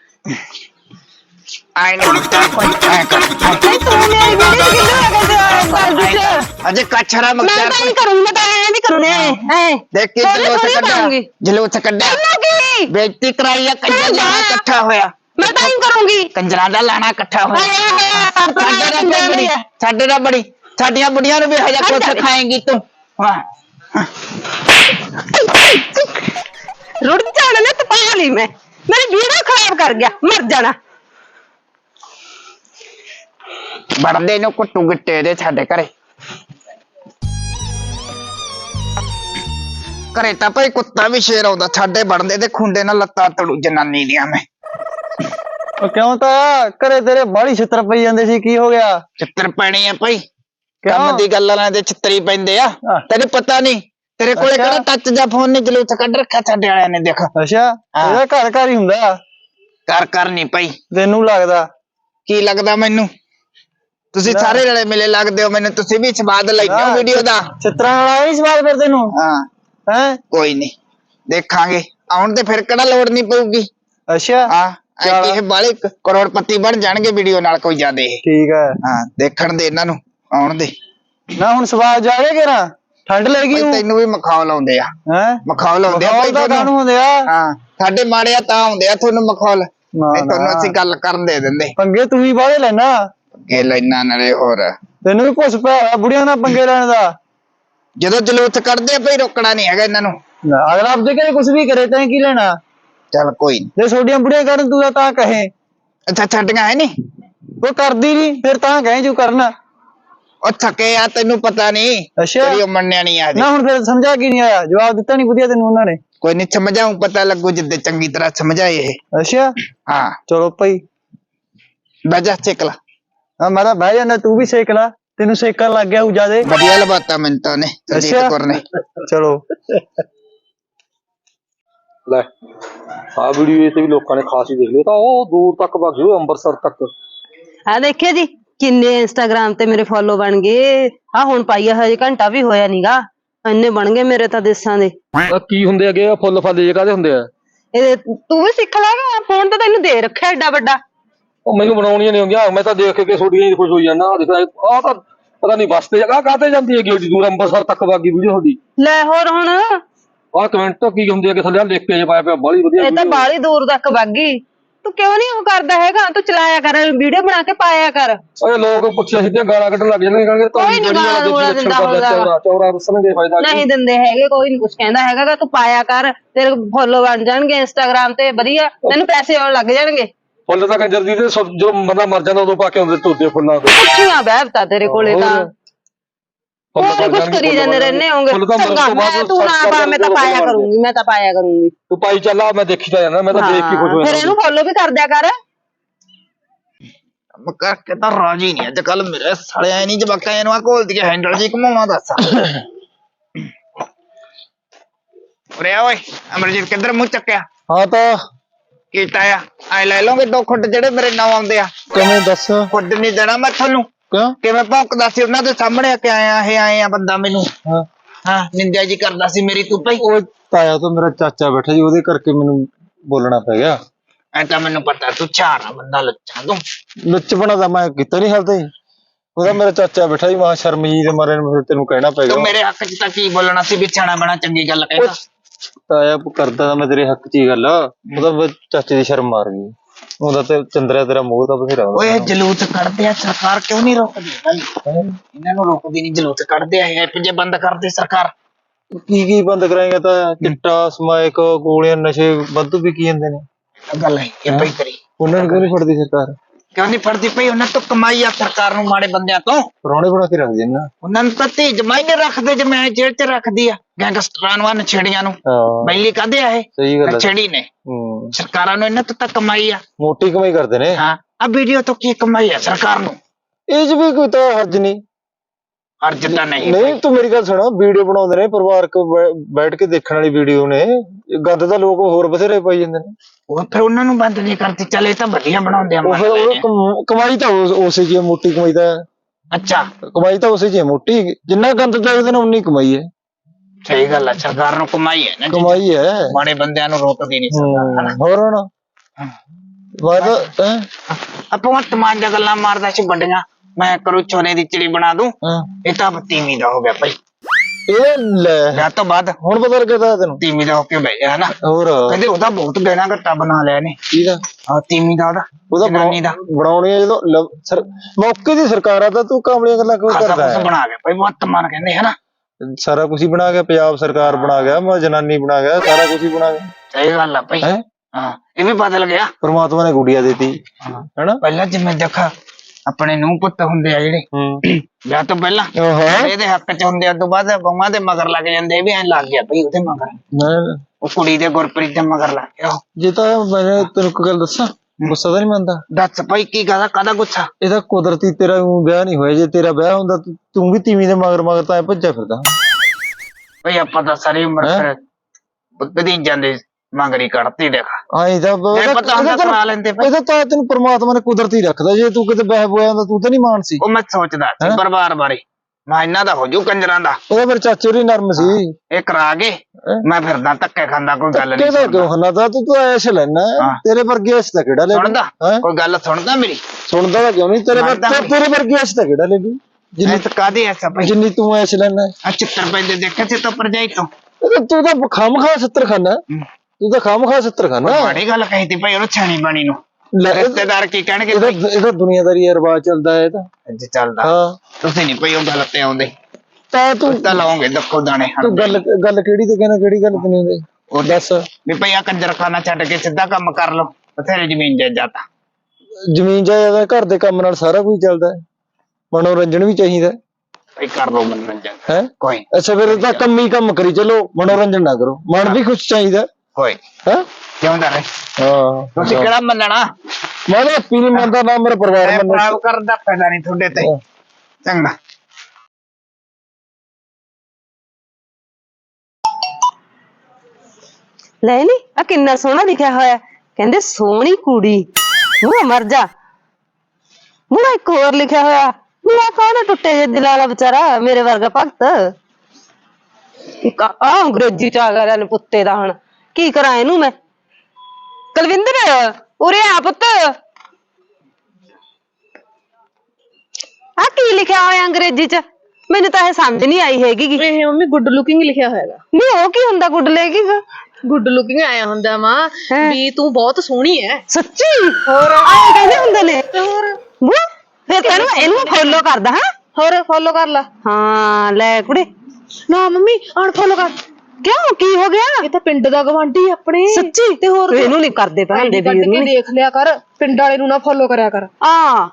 ਆਈ ਨਹੀਂ ਮੁਕਤਾਰ ਕੋਈ ਐ ਕਰ। ਨਹੀਂ ਤੂੰ ਮੇਰੀ ਵੀਡੀਓ ਕਿੱਥੇ ਆ ਗਈ? ਅਜੇ ਕਛਰਾ ਮੈਂ ਮੁਕਤਾਰ ਤਾਂ ਨਹੀਂ ਕਰੂੰਗੀ, ਮੈਂ ਤਾਂ ਐਂ ਨਹੀਂ ਕਰੂੰ ਐ। ਦੇਖ ਕੇ ਜਲੂਸ ਕੱਢਿਆ, ਜਲੂਸ ਕੱਢਿਆ, ਕੀ ਬੇਇੱਜ਼ਤੀ ਕਰਾਈ ਆ, ਕੰਜਰ ਲਾਣਾ ਇਕੱਠਾ ਹੋਇਆ। ਮੈਂ ਤਾਂ ਹੀ ਕਰੂੰਗੀ। ਕੰਜਰਾਂ ਦਾ ਲਾਣਾ ਇਕੱਠਾ ਹੋਇਆ। ਸਾਡੇ ਨਾਲ ਕੋਈ ਬੜੀ, ਸਾਡੇ ਨਾਲ ਬੜੀ, ਸਾਡੀਆਂ ਬੁੜੀਆਂ ਨੂੰ ਵੀ ਹਜਾ ਕੁਛ ਸਿਖਾਏਂਗੀ ਤੂੰ। ਵਾਹ ਰੁੜ ਜਾਣਾ ਨਾ ਤਪਾ ਲਈ ਮੈਂ, ਮੇਰੀ ਵੀਡੀਓ ਖਰਾਬ ਕਰ ਗਿਆ, ਮਰ ਜਾਣਾ। ਬੜਦੇ ਨੂੰ ਕੁੱਟੂ ਗਿੱਟੇ ਦੇ ਸਾਡੇ ਘਰੇ। ਘਰੇ ਤਾਂ ਭਾਈ ਕੁੱਤਾ ਵੀ ਸ਼ੇਰ ਆਉਂਦਾ, ਸਾਡੇ ਬਣਦੇ ਦੇ ਖੁੰਡੇ ਨਾਲ ਲੱਤਾਂ ਤੜੂ ਜਨਾਨੀ ਦੀਆਂ ਮੈਂ। ਉਹ ਕਿਉਂ ਤਾਂ ਘਰੇ ਤੇਰੇ ਬਾਹਲੀ ਛਿੱਤਰ ਪਈ ਜਾਂਦੇ ਸੀ, ਕੀ ਹੋ ਗਿਆ? ਚਿੱਤਰ ਪੈਣੇ ਆ ਭਾਈ, ਕੰਮ ਦੀ ਗੱਲ ਨਾਲ ਦੇ ਚਿੱਤਰੀ ਪੈਂਦੇ ਆ। ਤੈਨੂੰ ਪਤਾ ਨਹੀਂ, ਤੇਰੇ ਕੋਲੇ ਕਿਹੜਾ ਟੱਚ ਜਾਂ ਫੋਨ ਨਹੀਂ, ਜਲੂਸ ਕੱਢ ਰੱਖਿਆ ਸਾਡੇ ਵਾਲਿਆਂ ਨੇ। ਦੇਖ ਅੱਛਾ, ਇਹਦਾ ਘਰ ਘਰ ਹੀ ਹੁੰਦਾ। ਕਰ ਕਰ ਨਹੀਂ ਭਾਈ, ਤੈਨੂੰ ਲੱਗਦਾ? ਕੀ ਲੱਗਦਾ ਮੈਨੂੰ? ਤੁਸੀਂ ਸਾਰੇ ਰਲੇ ਮਿਲੇ ਲੱਗਦੇ ਹੋ ਮੈਨੂੰ, ਤੁਸੀਂ ਵੀ ਸਵਾਦ ਲੈਂਦੇ ਹੋ ਵੀਡੀਓ ਦਾ। ਚਿੱਤਰਾਂ ਵਾਲਾ ਨਹੀਂ ਸਵਾਦ ਫਿਰ ਤੈਨੂੰ? ਹਾਂ ਹੈ ਕੋਈ ਨਹੀਂ ਦੇਖਾਂਗੇ, ਆਉਣ ਤੇ ਫਿਰ ਕਿਹੜਾ ਲੋੜ ਨਹੀਂ ਪਊਗੀ। ਅੱਛਾ ਹਾਂ ਇਹ ਬਾਲੇ ਕਰੋੜਪਤੀ ਬਣ ਜਾਣਗੇ ਵੀਡੀਓ ਨਾਲ ਕੋਈ ਜ਼ਿਆਦੇ ਇਹ। ਠੀਕ ਹੈ। ਹਾਂ ਦੇਖਣ ਦੇ ਇਹਨਾਂ ਨੂੰ, ਆਉਣ ਦੇ ਨਾ ਹੁਣ ਸਵਾਦ ਜਾ ਰਿਹਾ ਕਿਹੜਾ ਠੰਡ ਲੱਗ ਗਈ ਭਾਈ ਤੈਨੂੰ ਵੀ ਮਖੌਲ ਆਉਂਦੇ ਆ। ਹੈ ਮਖੌਲ ਆਉਂਦੇ ਆ ਮਖੌਲ ਤਾਂ ਕਾਹਨੂੰ ਹੁੰਦੇ ਆ? ਹਾਂ ਸਾਡੇ ਮਾੜੇ ਆ ਤਾਂ ਆਉਂਦੇ ਆ ਤੁਹਾਨੂੰ ਮਖੌਲ, ਨਹੀਂ ਤੁਹਾਨੂੰ ਅਸੀਂ ਗੱਲ ਕਰਨ ਦੇ ਦਿੰਦੇ। ਪੰਗੇ ਤੂੰ ਹੀ ਬਾਹਲੇ ਲੈਣਾ ਇਹ ਲੈਣਾ ਨਾਲੇ ਹੋਰ ਤੈਨੂੰ ਵੀ ਕੁਛ ਪਿਆ ਬੁੜੀਆਂ ਨਾਲ ਪੰਗੇ ਲੈਣ ਦਾ। ਜਦੋਂ ਜਲੂਸ ਕੱਢਦੇ ਆ ਭਾਈ ਰੋਕਣਾ ਨਹੀਂ ਹੈਗਾ ਇਹਨਾਂ ਨੂੰ। ਅਗਲਾ ਆਪਦੇ ਘਰੇ ਕੁਛ ਵੀ ਕਰੇ ਤੈਂ ਕੀ ਲੈਣਾ? ਚੱਲ ਕੋਈ ਨੀ। ਜੇ ਛੋਟੀਆਂ ਬੁੜੀਆਂ ਕਰਨ ਤੂੰ ਤਾਂ ਤਾਂ ਕਹੇ ਅੱਛਾ ਛੱਡੀਆਂ ਹੈ ਨੀ ਉਹ ਕਰਦੀ ਨੀ ਫਿਰ ਤਾਂ ਕਹੇ ਜੋ ਕਰਨਾ। ਉਹ ਥੱਕੇ ਆ ਤੈਨੂੰ ਪਤਾ ਨਹੀਂ ਅੱਛਾ ਤੇਰੀ ਉਮਰ ਨਿਆਣੀ ਆ ਨਾ ਹੁਣ ਫਿਰ ਸਮਝਾ ਕੀ ਨਹੀਂ ਆਇਆ? ਜਵਾਬ ਦਿੱਤਾ ਨੀ ਵਧੀਆ ਤੈਨੂੰ ਉਹਨਾਂ ਨੇ? ਕੋਈ ਨਹੀਂ ਸਮਝਾਉਂ, ਪਤਾ ਲੱਗੂ ਜਿੱਦੇ ਚੰਗੀ ਤਰ੍ਹਾਂ ਸਮਝਾਏ ਇਹ। ਅੱਛਾ ਹਾਂ ਚਲੋ ਭਾਈ ਬਹਿ ਜਾ ਸਿੱਖ ਲਾ। ਹਾਂ ਮੈਂ ਤਾਂ ਬਹਿ ਜਾਣਾ, ਤੂੰ ਵੀ ਸੇਕ ਲਾ, ਤੈਨੂੰ ਸੇਕਣ ਲੱਗ ਗਿਆ ਜਿਆਦੇ। ਵਧੀਆ ਲਵਾਤਾ ਮੈਨੂੰ ਤਾਂ ਉਹਨੇ ਅੱਛਾ ਕੌਰ ਨੇ। ਚਲੋ ਲੈ ਆ ਵੀਡੀਓ ਤੇ ਵੀ ਲੋਕਾਂ ਨੇ ਖਾਸ ਹੀ ਦੇਖ ਲਿਆ, ਤਾਂ ਉਹ ਦੂਰ ਤੱਕ ਭੱਜ ਗਏ ਅੰਮ੍ਰਿਤਸਰ ਤੱਕ। ਆ ਦੇਖਿਆ ਜੀ ਕਿੰਨੇ ਇੰਸਟਾਗ੍ਰਾਮ ਤੇ ਮੇਰੇ ਫੋਲੋ ਬਣ ਗਏ। ਆ ਹੁਣ ਪਾਈ ਆ ਹਜੇ ਘੰਟਾ ਵੀ ਹੋਇਆ ਨੀਗਾ, ਇੰਨੇ ਬਣ ਗਏ ਮੇਰੇ ਤਾਂ ਦੇਸਾਂ ਦੇ। ਆ ਕੀ ਹੁੰਦੇ ਹੈਗੇ ਆ ਫੁੱਲ ਫਲ ਜੇ ਕਾਹਦੇ ਹੁੰਦੇ ਆ? ਇਹ ਤੂੰ ਵੀ ਸਿੱਖ ਲੈ, ਫੋਨ ਤਾਂ ਤੈਨੂੰ ਦੇ ਰੱਖਿਆ ਏਡਾ ਵੱਡਾ। ਉਹ ਮੈਨੂੰ ਬਣਾਉਣੀਆਂ ਨਹੀਂ ਹੁੰਦੀਆਂ, ਮੈਂ ਤਾਂ ਦੇਖ ਕੇ ਛੋਟੀਆਂ ਹੀ ਖੁਸ਼ ਹੋਈ ਜਾਂਦਾ। ਆ ਦੇਖ ਆ ਤਾਂ ਪਤਾ ਨਹੀਂ ਬੱਸ ਤੇ ਜਗ੍ਹਾ ਕਾਹਤੇ ਜਾਂਦੀ ਹੈਗੀ ਏਡੀ ਦੂਰ ਅੰਮ੍ਰਿਤਸਰ ਤੱਕ ਬਾਗੀ ਵੀਡੀਓ ਤੁਹਾਡੀ। ਲੈ ਹੋਰ ਹੁਣ ਆਹ ਕਮੈਂਟ ਤਾਂ ਕੀ ਹੁੰਦੇ ਆ ਕਿ ਥੱਲੇ ਲਿਖ ਕੇ ਪਾਇਆ ਪਿਆ ਬਾਲੀ ਵਧੀਆ ਇਹ ਤਾਂ ਬਾਹਲੀ ਦੂਰ ਤੱਕ ਵਾਗੀ। ਤੂੰ ਕਿਉਂ ਨਹੀਂ ਉਹ ਕਰਦਾ ਹੈਗਾ? ਤੂੰ ਚਲਾਇਆ ਕਰ, ਵੀਡੀਓ ਬਣਾ ਕੇ ਪਾਇਆ ਕਰ। ਓਏ ਲੋਕ ਪੁੱਛਿਆ ਸਿੱਧੀਆਂ ਗਾਲਾਂ ਕੱਢਣ ਲੱਗ ਜਾਂਦੇ ਕਹਿੰਦੇ ਕੋਈ ਨੀ ਗਾਲਾਂ ਗੂਲਾਂ ਦਿੰਦਾ ਹੁੰਦਾ। ਚੌਰਾ ਚੌਰਾ ਦੱਸਣਗੇ ਫਾਇਦਾ ਨਹੀਂ ਦਿੰਦੇ ਹੈਗੇ, ਕੋਈ ਨੀ ਕੁਛ ਕਹਿੰਦਾ ਹੈਗਾ। ਤੂੰ ਪਾਇਆ ਕਰ, ਤੇਰੇ ਫੋਲੋ ਬਣ ਜਾਣਗੇ ਇੰਸਟਾਗ੍ਰਾਮ ਤੇ ਵਧੀਆ, ਤੈਨੂੰ ਪੈਸੇ ਆਉਣ ਲੱਗ ਜਾਣਗੇ। ਫੁੱਲ ਤਾਂ ਕੰਜਰ ਦੀ ਤੇ ਜਦੋਂ ਬੰਦਾ ਮਰ ਜਾਂਦਾ ਉਦੋਂ ਪਾ ਕੇ ਆਉਂਦੇ ਤੋਤੇ ਫੁੱਲਾਂ ਦੇ। ਪੁੱਛੀਆਂ ਬਹਿਬਤਾ ਤੇਰੇ ਕੋਲੇ ਤਾਂ ਉਹ ਕੁਛ ਕਰੀ ਜਾਂਦੇ ਰਹਿੰਦੇ ਹੋਗੇ। ਚੰਗਾ ਮੈਂ ਤੂੰ ਨਾ ਪਾ, ਮੈਂ ਤਾਂ ਪਾਇਆ ਕਰੂੰਗੀ, ਮੈਂ ਤਾਂ ਪਾਇਆ ਕਰੂੰਗੀ। ਤੂੰ ਪਾਈ ਚੱਲ ਆ, ਮੈਂ ਦੇਖੀ ਤਾਂ ਜਾਂਦਾ, ਮੈਂ ਤਾਂ ਦੇਖ ਕੇ ਖੁਸ਼ ਹੋਇਆ। ਫਿਰ ਇਹਨੂੰ ਫੋਲੋ ਵੀ ਕਰ ਦਿਆ ਕਰ। ਕਰਕੇ ਤਾਂ ਰਾਜੀ ਨਹੀਂ ਅੱਜ ਕੱਲ ਮੇਰੇ ਸਾਲੇ ਐ ਨਹੀਂ ਜਵਾਕਾਂ ਇਹਨੂੰ ਆ ਘੋਲਦੀ ਹੈਂਡਲ ਜੀ ਘੁਮਾਉਣਾ ਦੱਸ। ਉਰੇ ਆ ਓਏ ਅਮਰਜੀਤ ਕਿੱਧਰ ਮੂੰਹ ਚੱਕਿਆ? ਹਾਂ ਤਾਂ ਕੀਤਾ ਆ ਐ ਲੈ ਲਓਗੇ ਦੋ ਖੁੱਡ ਜਿਹੜੇ ਮੇਰੇ ਨਾਂ ਆਉਂਦੇ ਆ। ਕਿਵੇਂ ਦੱਸ? ਖੁੱਡ ਨਹੀਂ ਦੇਣਾ ਮੈਂ ਤੁਹਾਨੂੰ। ਕਿਉਂ? ਕਿਵੇਂ ਭੌਂਕਦਾ ਸੀ ਉਹਨਾਂ ਦੇ ਸਾਹਮਣੇ ਕਿ ਆਇਆ ਇਹ ਆਏ ਆ ਬੰਦਾ ਮੈਨੂੰ। ਹਾਂ ਹਾਂ ਨਿੰਦਿਆ ਜੀ ਕਰਦਾ ਸੀ ਮੇਰੀ ਤੂੰ ਭਾਈ। ਉਹ ਤਾਇਆ ਤੋਂ ਮੇਰਾ ਚਾਚਾ ਬੈਠਾ ਜੀ, ਉਹਦੇ ਕਰਕੇ ਮੈਨੂੰ ਬੋਲਣਾ ਪੈ ਗਿਆ। ਐ ਤਾਂ ਮੈਨੂੰ ਪਤਾ ਤੂੰ ਛਾਰਾ ਬੰਦਾ ਲੱਚਾ ਤੂੰ। ਲੁੱਚਪਣਾ ਤਾਂ ਮੈਂ ਕੀਤਾ ਨਹੀਂ ਹਾਲ ਤਾਈ, ਉਹਦਾ ਮੇਰਾ ਚਾਚਾ ਬੈਠਾ ਜੀ, ਮਾਂ ਸ਼ਰਮ ਜੀ ਦੇ ਮਾਰੇ ਨੂੰ ਫਿਰ ਤੈਨੂੰ ਕਹਿਣਾ ਪੈ ਤੂੰ ਗਿਆ। ਮੇਰੇ ਹੱਕ 'ਚ ਤਾਂ ਕੀ ਬੋਲਣਾ ਸੀ? ਵਿਛਾਣਾ ਬਣਾ ਚੰਗੀ ਗੱਲ ਕਹਿੰਦਾ। ਤਾਇਆ ਕਰਦਾ ਤਾਂ ਮੈਂ ਤੇਰੇ ਹੱਕ 'ਚ ਹੀ ਗੱਲ, ਉਹਦਾ ਫਿਰ ਚਾਚੇ ਦੀ ਸ਼ਰਮ ਮਾਰ ਗਈ। ਉਹਦਾ ਤੇ ਚੰਦਰਿਆ ਤੇਰਾ ਮੂੰਹ ਤਾਂ ਬਥੇਰਾ। ਓਏ ਜਲੂਸ ਕੱਢਦੇ ਆ, ਸਰਕਾਰ ਕਿਉਂ ਨਹੀਂ ਰੋਕਦੀ? ਇਹਨਾਂ ਨੂੰ ਰੋਕਦੀ ਨਹੀਂ, ਜਲੂਸ ਕੱਢਦੇ ਆ ਇਹ ਜੇ ਬੰਦ ਕਰਦੇ ਸਰਕਾਰ। ਕੀ ਕੀ ਬੰਦ ਕਰਾਏਗਾ? ਤਾਂ ਚਿੱਟਾ ਸਮੈਕ ਗੋਲੀਆਂ ਨਸ਼ੇ ਵਾਧੂ ਵੀ ਕੀ ਜਾਂਦੇ ਨੇ। ਗੱਲ ਹੈ ਇਹ ਪਈ ਤੇਰੀ। ਉਹਨਾਂ ਨੂੰ ਕਿਉਂ ਨੀ ਫੜਦੀ ਸਰਕਾਰ? ਕਿਉਂ ਨਹੀਂ ਫੜਦੀ ਪਈ? ਉਹਨਾਂ ਤੋਂ ਕਮਾਈ ਆ ਸਰਕਾਰ ਨੂੰ ਮਾੜੇ ਬੰਦਿਆਂ ਤੋਂ। ਪਰੌਣੇ ਬਣਾ ਕੇ ਰੱਖਦੇ ਨੇ ਨਾ। ਉਹਨਾਂ ਨੂੰ ਤਾਂ ਧੀ ਜਮਾਈ ਨੇ ਰੱਖਦੇ ਜੇ ਮੈਂ ਜੇਲ੍ਹ 'ਚ ਰੱਖਦੀ ਆ ਗੈਂਗਸਟਰਾਂ ਨੂੰ, ਨਛੇੜੀਆਂ ਨੂੰ। ਹਾਂ ਬੈਲੀ ਕਾਹਦੇ ਆ ਇਹ? ਸਹੀ ਗੱਲ ਹੈ। ਨਛੇੜੀ ਨੇ। ਹੂੰ ਸਰਕਾਰਾਂ ਨੂੰ ਇਹਨਾਂ ਤੋਂ ਤਾਂ ਕਮਾਈ ਆ। ਮੋਟੀ ਕਮਾਈ ਕਰਦੇ ਨੇ। ਹਾਂ ਆ ਵੀਡੀਓ ਤੋਂ ਕੀ ਕਮਾਈ ਆ ਸਰਕਾਰ ਨੂੰ? ਇਹ 'ਚ ਵੀ ਕੋਈ ਤਾਂ ਹਰਜ ਨਹੀਂ। ਹਰਜ ਤਾਂ ਨਹੀਂ। ਨਹੀਂ ਤੂੰ ਮੇਰੀ ਗੱਲ ਸੁਣ, ਵੀਡੀਓ ਬਣਾਉਂਦੇ ਨੇ ਪਰਿਵਾਰਕ ਬੈ- ਬੈਠ ਕੇ ਦੇਖਣ ਵਾਲੀ ਵੀਡੀਓ ਨੇ, ਗੰਦ ਤਾਂ ਲੋਕ ਹੋਰ ਬਥੇਰੇ ਪਾਈ ਜਾਂਦੇ ਨੇ। ਉਹ ਫਿਰ ਉਹਨਾਂ ਨੂੰ ਬੰਦ ਨਹੀਂ ਕਰਦੀ। ਚੱਲ ਇਹ ਤਾਂ ਵਧੀਆ ਬਣਾਉਂਦੇ ਆ ਉਹ ਫਿਰ ਮੰਨ ਉਹ ਲੈਂਦੇ ਆ। ਕਮ- ਕਮਾਈ ਤਾਂ ਉਸ- ਉਸੇ 'ਚ ਹੀ ਹੈ, ਮੋਟੀ ਕਮਾਈ ਤਾਂ ਅੱਛਾ ਕਮਾਈ ਤਾਂ ਉਸੇ 'ਚ ਹੀ ਹੈ ਮੋਟੀ। ਜਿੰਨਾ ਗੰਦ ਦੇਖਦੇ ਨੇ ਉਨੀ ਕਮਾਈ ਹੈ। ਸਹੀ ਗੱਲ ਆ, ਸਰਕਾਰ ਨੂੰ ਕਮਾਈ ਹੈ ਨਾ ਜੀ। ਕਮਾਈ ਹੈ। ਮਾੜੇ ਬੰਦਿਆਂ ਨੂੰ ਰੋਕਦੀ ਨਹੀਂ ਸਰਕਾਰ ਹਨਾ। ਹੋਰ ਹੁਣ ਬਾਦ ਹੈਂ? ਆਪਾਂ ਹੁਣ ਤਮਾਨ ਦੀਆਂ ਗੱਲਾਂ ਮਾਰਦਾ ਸੀ ਵੱਡੀਆਂ, ਮੈਂ ਕਰੂ ਚੋਨੇ ਦੀ ਚਿੜੀ ਬਣਾ ਦੂੰ। ਹਾਂ ਇਹ ਤਾਂ ਤੀਵੀਂ ਦਾ ਹੋ ਗਿਆ ਭਾਈ। ਇਹ ਲੈ ਵਿਆਹ ਤੋਂ ਬਾਅਦ ਹੁਣ ਪਤਾ ਲੱਗਿਆ ਤਾਂ ਤੈਨੂੰ। ਤੀਵੀਂ ਦਾ ਹੋ ਕੇ ਬਹਿ ਗਿਆ ਹਨਾ। ਹੋਰ ਕਹਿੰਦੇ ਉਹਦਾ ਬਹੁਤ ਗਹਿਣਾ ਘੱਟਾ ਬਣਾ ਲਿਆ ਨੇ। ਕਿਹਦਾ? ਆ ਤੀਵੀਂ ਦਾ ਉਹਦਾ ਉਹਦਾ ਜਨਾਨੀ ਦਾ ਬਣਾਉਣੀ ਹੈ ਜਦੋਂ ਲਵ- ਸਰ- ਮੌਕੇ ਦੀ ਸਰਕਾਰ ਆ ਤਾਂ ਤੂੰ ਕਾਮਲੀਆਂ ਗੱਲਾਂ ਕਿਉਂ ਖਾਸਾ ਕਰਦਾ ਕੁਛ ਹੈ? ਬਣਾ ਗਿਆ ਭਾਈ ਬਹੁਤ ਮਾਨ ਕਹਿੰਦੇ ਹਨਾ। ਸਾਰਾ ਕੁਝ ਹੀ ਬਣਾ ਗਿਆ, ਪੰਜਾਬ ਸਰਕਾਰ ਬਣਾ ਗਿਆ, ਮੈਂ ਜਨਾਨੀ ਬਣਾ ਗਿਆ, ਸਾਰਾ ਕੁਝ ਹੀ ਬਣਾ ਗਿਆ। ਸਹੀ ਗੱਲ ਆ ਭਾਈ। ਹੈ ਹਾਂ ਇਹ ਵੀ ਬਦਲ ਗਿਆ। ਪਰਮਾਤਮਾ ਨੇ ਗੁੜੀਆ ਦਿੱਤੀ ਹੈਨਾ। ਪਹਿਲਾਂ ਜਿਵੇਂ ਦੇਖਾ ਆਪਣੇ ਨੂੰਹ ਪੁੱਤ ਹੁੰਦੇ ਆ ਜਿਹੜੇ ਹੂੰ ਵਿਆਹ ਤੋਂ ਪਹਿਲਾਂ ਓਹੋ ਇਹਦੇ ਹੱਕ 'ਚ ਹੁੰਦੇ ਆ, ਤੋਂ ਬਾਅਦ ਗਊਆਂ ਦੇ ਮਗਰ ਲੱਗ ਜਾਂਦੇ। ਇਹ ਵੀ ਐਂ ਲੱਗ ਗਿਆ ਭਾਈ ਉਹਦੇ ਮਗਰ। ਮੈਂ ਉਹ ਕੁੜੀ ਦੇ ਗੁਰਪ੍ਰੀਤ ਦੇ ਮਗਰ ਲੱਗ ਗਿਆ ਉਹ। ਜੇ ਤਾਂ ਮੈਂ ਤੈਨੂੰ ਇੱਕ ਗੱਲ ਦੱਸਾਂ, ਗੁੱਸਾ ਤਾਂ ਨਹੀਂ ਮੰਨਦਾ? ਦੱਸ ਭਾਈ ਕੀ ਕਹਦਾ ਕਾਹਦਾ ਗੁੱਸਾ? ਇਹਦਾ ਕੁਦਰਤੀ ਤੇਰਾ ਊਂ ਵਿਆਹ ਨਹੀਂ ਹੋਇਆ। ਜੇ ਤੇਰਾ ਵਿਆਹ ਹੁੰਦਾ ਤੂੰ- ਤੂੰ ਵੀ ਤੀਵੀਂ ਦੇ ਮਗਰ ਮਗਰ ਤਾਂ ਐ ਭੱਜਿਆ ਫਿਰਦਾ। ਭਾਈ ਆਪਾਂ ਤਾਂ ਸਾਰੀ ਉਮਰ ਹੈਂ? ਫਿਰ ਵਧੀ ਜਾਂਦੇ ਮੰਗਰੀ ਕੱਢਤੀ ਦੇਖ ਆਈ ਤਾਂ ਇਹ ਪਤਾ ਹੁੰਦਾ ਕਰਾ ਲੈਂਦੇ ਭਾਈ। ਇਹਦਾ ਤਾਂ ਤੈਨੂੰ ਪ੍ਰਮਾਤਮਾ ਨੇ ਕੁਦਰਤੀ ਰੱਖਦਾ ਜੇ ਤੂੰ ਕਿਤੇ ਬਹਿ ਬੋਇਆ ਹੁੰਦਾ ਤੂੰ ਤਾਂ ਨਹੀਂ ਮਾਨ ਸੀ ਉਹ ਮੈਂ ਸੋਚਦਾ ਸੀ ਪਰਿਵਾਰ ਬਾਰੇ ਮੈਂ ਇਹਨਾਂ ਦਾ ਹੋ ਜੂ ਕੰਜਰਾਂ ਦਾ ਉਹਦਾ ਫਿਰ ਚਾਚੇ ਹੋਰੀ ਨਰਮ ਸੀ ਇਹ ਕਰਾ ਕੇ ਮੈਂ ਫਿਰਦਾ ਧੱਕੇ ਖਾਂਦਾ ਕੋਈ ਗੱਲ ਨਹੀਂ ਕਿਹਦਾ ਕਿਉਂ ਖੰਨਾ ਤਾਂ ਤੂੰ ਤਾਂ ਐਸ਼ ਲੈਣਾ ਤੇਰੇ ਵਰਗੇ ਐਸ਼ ਤਾਂ ਕਿਹੜਾ ਲੈ ਲੂ? ਸੁਣਦਾ ਹੈਂ? ਕੋਈ ਗੱਲ ਸੁਣਦਾ ਮੇਰੀ ਸੁਣਦਾ ਤਾਂ ਕਿਉਂ ਨਹੀਂ ਤੇਰੇ ਵਰ- ਸੁਣਦਾ ਤੇ- ਤੇਰੇ ਵਰਗੇ ਐਸ਼ ਤਾਂ ਕਿਹੜਾ ਲੈ ਲੂ? ਜਿੰਨੀ ਜਿੰਨੀ ਕਾਦੀ ਐਸਾ ਭਾਈ ਜਿੰਨੀ ਤੂੰ ਐਸ਼ ਲੈਣਾ ਆ ਚਿੱਤਰ ਪੈਂਦੇ ਦੇਖੇ ਤੇ ਤੋਂ ਪਰਜਾਈ ਤੋਂ ਤੂੰ ਤਾਂ ਖਾਮ ਖਾ ਸੱਤਰ ਖਾਨਾ ਤੂੰ ਤਾਂ ਖਾਮ ਖਾ ਸੱਤਰ ਖਾਨਾ ਮਾੜੀ ਗੱਲ ਕਹੀ ਤੀ ਭਾਈ ਉਹਨੂੰ ਛਾਣੀ ਬਾਣੀ ਨੂੰ ਲੈ, ਇਹ- ਰਿਸ਼ਤੇਦਾਰ ਕੀ ਕਹਿਣਗੇ ਇਹਦਾ ਭਾਈ ਇਹਦਾ ਦੁਨੀਆਦਾਰੀ ਦਾ ਰਿਵਾਜ ਚੱਲਦਾ ਹੈ ਇਹ ਤਾਂ ਅੱਜ ਚੱਲਦਾ ਹਾਂ ਤੁਸੀਂ ਨਹੀਂ ਭਾਈ ਉਹ ਗੱਲ ਤੇ ਆਉਂਦੇ ਤਾਂ ਤੂੰ ਤਾਂ ਲਾਉਂਗੇ ਦੱਖੋ ਦਾਣੇ ਤੂੰ ਗੱਲ ਗੱਲ ਕਿਹੜੀ ਤੇ ਕਹਿੰਦਾ ਕਿਹੜੀ ਗੱਲ ਤੇ ਨਹੀਂ ਹੁੰਦੀ ਉਹ ਦੱਸ ਵੀ ਭਾਈ ਆ ਕੰਜਰ ਖਾਨਾ ਛੱਡ ਕੇ ਸਿੱਧਾ ਕੰਮ ਕਰ ਲਓ ਬਥੇਰੇ ਜ਼ਮੀਨ ਜਾਇਦਾਦ ਤਾਂ ਜ਼ਮੀਨ ਜਾਇਦਾਦ ਘਰ ਦੇ ਕੰਮ ਨਾਲ ਸਾਰਾ ਕੁਝ ਚੱਲਦਾ ਹੈ ਮਨੋਰੰਜਨ ਵੀ ਚਾਹੀਦਾ ਹੈ ਭਾਈ ਕਰ ਲਓ ਮਨੋਰੰਜਨ ਹੈਂ? ਕੋਈ ਅੱਛਾ ਫਿਰ ਤਾਂ ਕੰਮੀ ਕੰਮ ਕਰੀ ਚਲੋ ਮਨੋਰੰਜਨ ਨਾ ਕਰੋ ਮਨ ਵੀ ਖੁਸ਼ ਚਾਹੀਦਾ ਹੋਏ ਹੈ ਕਿਉਂਦਾ ਰਹੇ ਹਾਂ ਤੁਸੀਂ ਕਿਹੜਾ ਮੰਨਣਾ ਮੈਂ ਤਾਂ ਆਪੀ ਨਹੀਂ ਮੰਨਦਾ ਨਾ ਮੇਰਾ ਪਰਿਵਾਰ ਮੈਂ ਮੰਨਦਾ ਪ੍ਰਾਪ ਕਰਨ ਦਾ ਫਾਇਦਾ ਨਹੀਂ ਤੁਹਾਡੇ ਤੇ ਹਾਂ। ਚੰਗਾ ਲੈ ਨੀ ਆ ਕਿੰਨਾ ਸੋਹਣਾ ਲਿਖਿਆ ਹੋਇਆ ਕਹਿੰਦੇ ਸੋਹਣੀ ਕੁੜੀ ਉਹ ਮਰ ਜਾ ਮੁੰਡਾ ਇੱਕ ਹੋਰ ਲਿਖਿਆ ਹੋਇਆ ਮੁੰਡਾ ਕੌਣ ਟੁੱਟੇ ਜੇ ਦਿਲ ਵਾਲਾ ਵਿਚਾਰਾ ਮੇਰੇ ਵਰਗਾ ਭਗਤ ਇੱਕ ਆ ਅੰਗਰੇਜ਼ੀ ਚ ਆ ਗਿਆ ਨੇ ਪੁੱਤੇ ਦਾ ਹੁਣ ਕੀ ਕਰਾਂ ਇਹਨੂੰ ਮੈਂ ਕੁਲਵਿੰਦਰ ਉਰੇ ਆ ਪੁੱਤ ਆ ਕੀ ਲਿਖਿਆ ਹੋਇਆ ਅੰਗਰੇਜ਼ੀ ਚ ਮੈਨੂੰ ਤਾਂ ਇਹ ਸਮਝ ਨਹੀਂ ਆਈ ਹੈਗੀ ਗੀ। ਇਹ ਮੰਮੀ ਗੁੱਡ ਲੁਕਿੰਗ ਲਿਖਿਆ ਹੋਇਆਗਾ ਨਹੀਂ ਉਹ ਕੀ ਹੁੰਦਾ ਗੁੱਡ ਲੈਗੀ ਗੁੱਡ ਲੁਕਿੰਗ ਆਇਆ ਹੁੰਦਾ ਮਾਂ ਹੈਂ? ਵੀ ਤੂੰ ਬਹੁਤ ਸੋਹਣੀ ਐ ਸੱਚੀ ਹੋਰ ਆਏ ਕਹਿੰਦੇ ਹੁੰਦੇ ਨੇ ਤੇ ਹੋਰ ਬੂ ਫਿਰ ਤੈਨੂੰ ਇਹਨੂੰ ਫੋਲੋ ਕਰਦਾ ਹਾਂ ਹੋਰ ਫੋਲੋ ਕਰ ਲਾ ਹਾਂ ਲੈ ਕੁੜੇ ਨਾ ਮੰਮੀ ਅਨਫੋਲੋ ਕਰ ਕਿਉਂ ਕੀ ਹੋ ਗਿਆ ਇਹ ਤਾਂ ਪਿੰਡ ਦਾ ਗਵਾਂਢੀ ਆਪਣੇ ਸੱਚੀ ਤੇ ਹੋਰ ਇਹਨੂੰ ਨਹੀਂ ਕਰਦੇ ਭੈਣ ਦੇ ਕੱਢ ਵੀਰ ਕੇ ਨੂੰ ਦੇਖ ਲਿਆ ਕਰ ਪਿੰਡ ਵਾਲੇ ਨੂੰ ਨਾ ਫੋਲੋ ਕਰਿਆ ਕਰ ਆ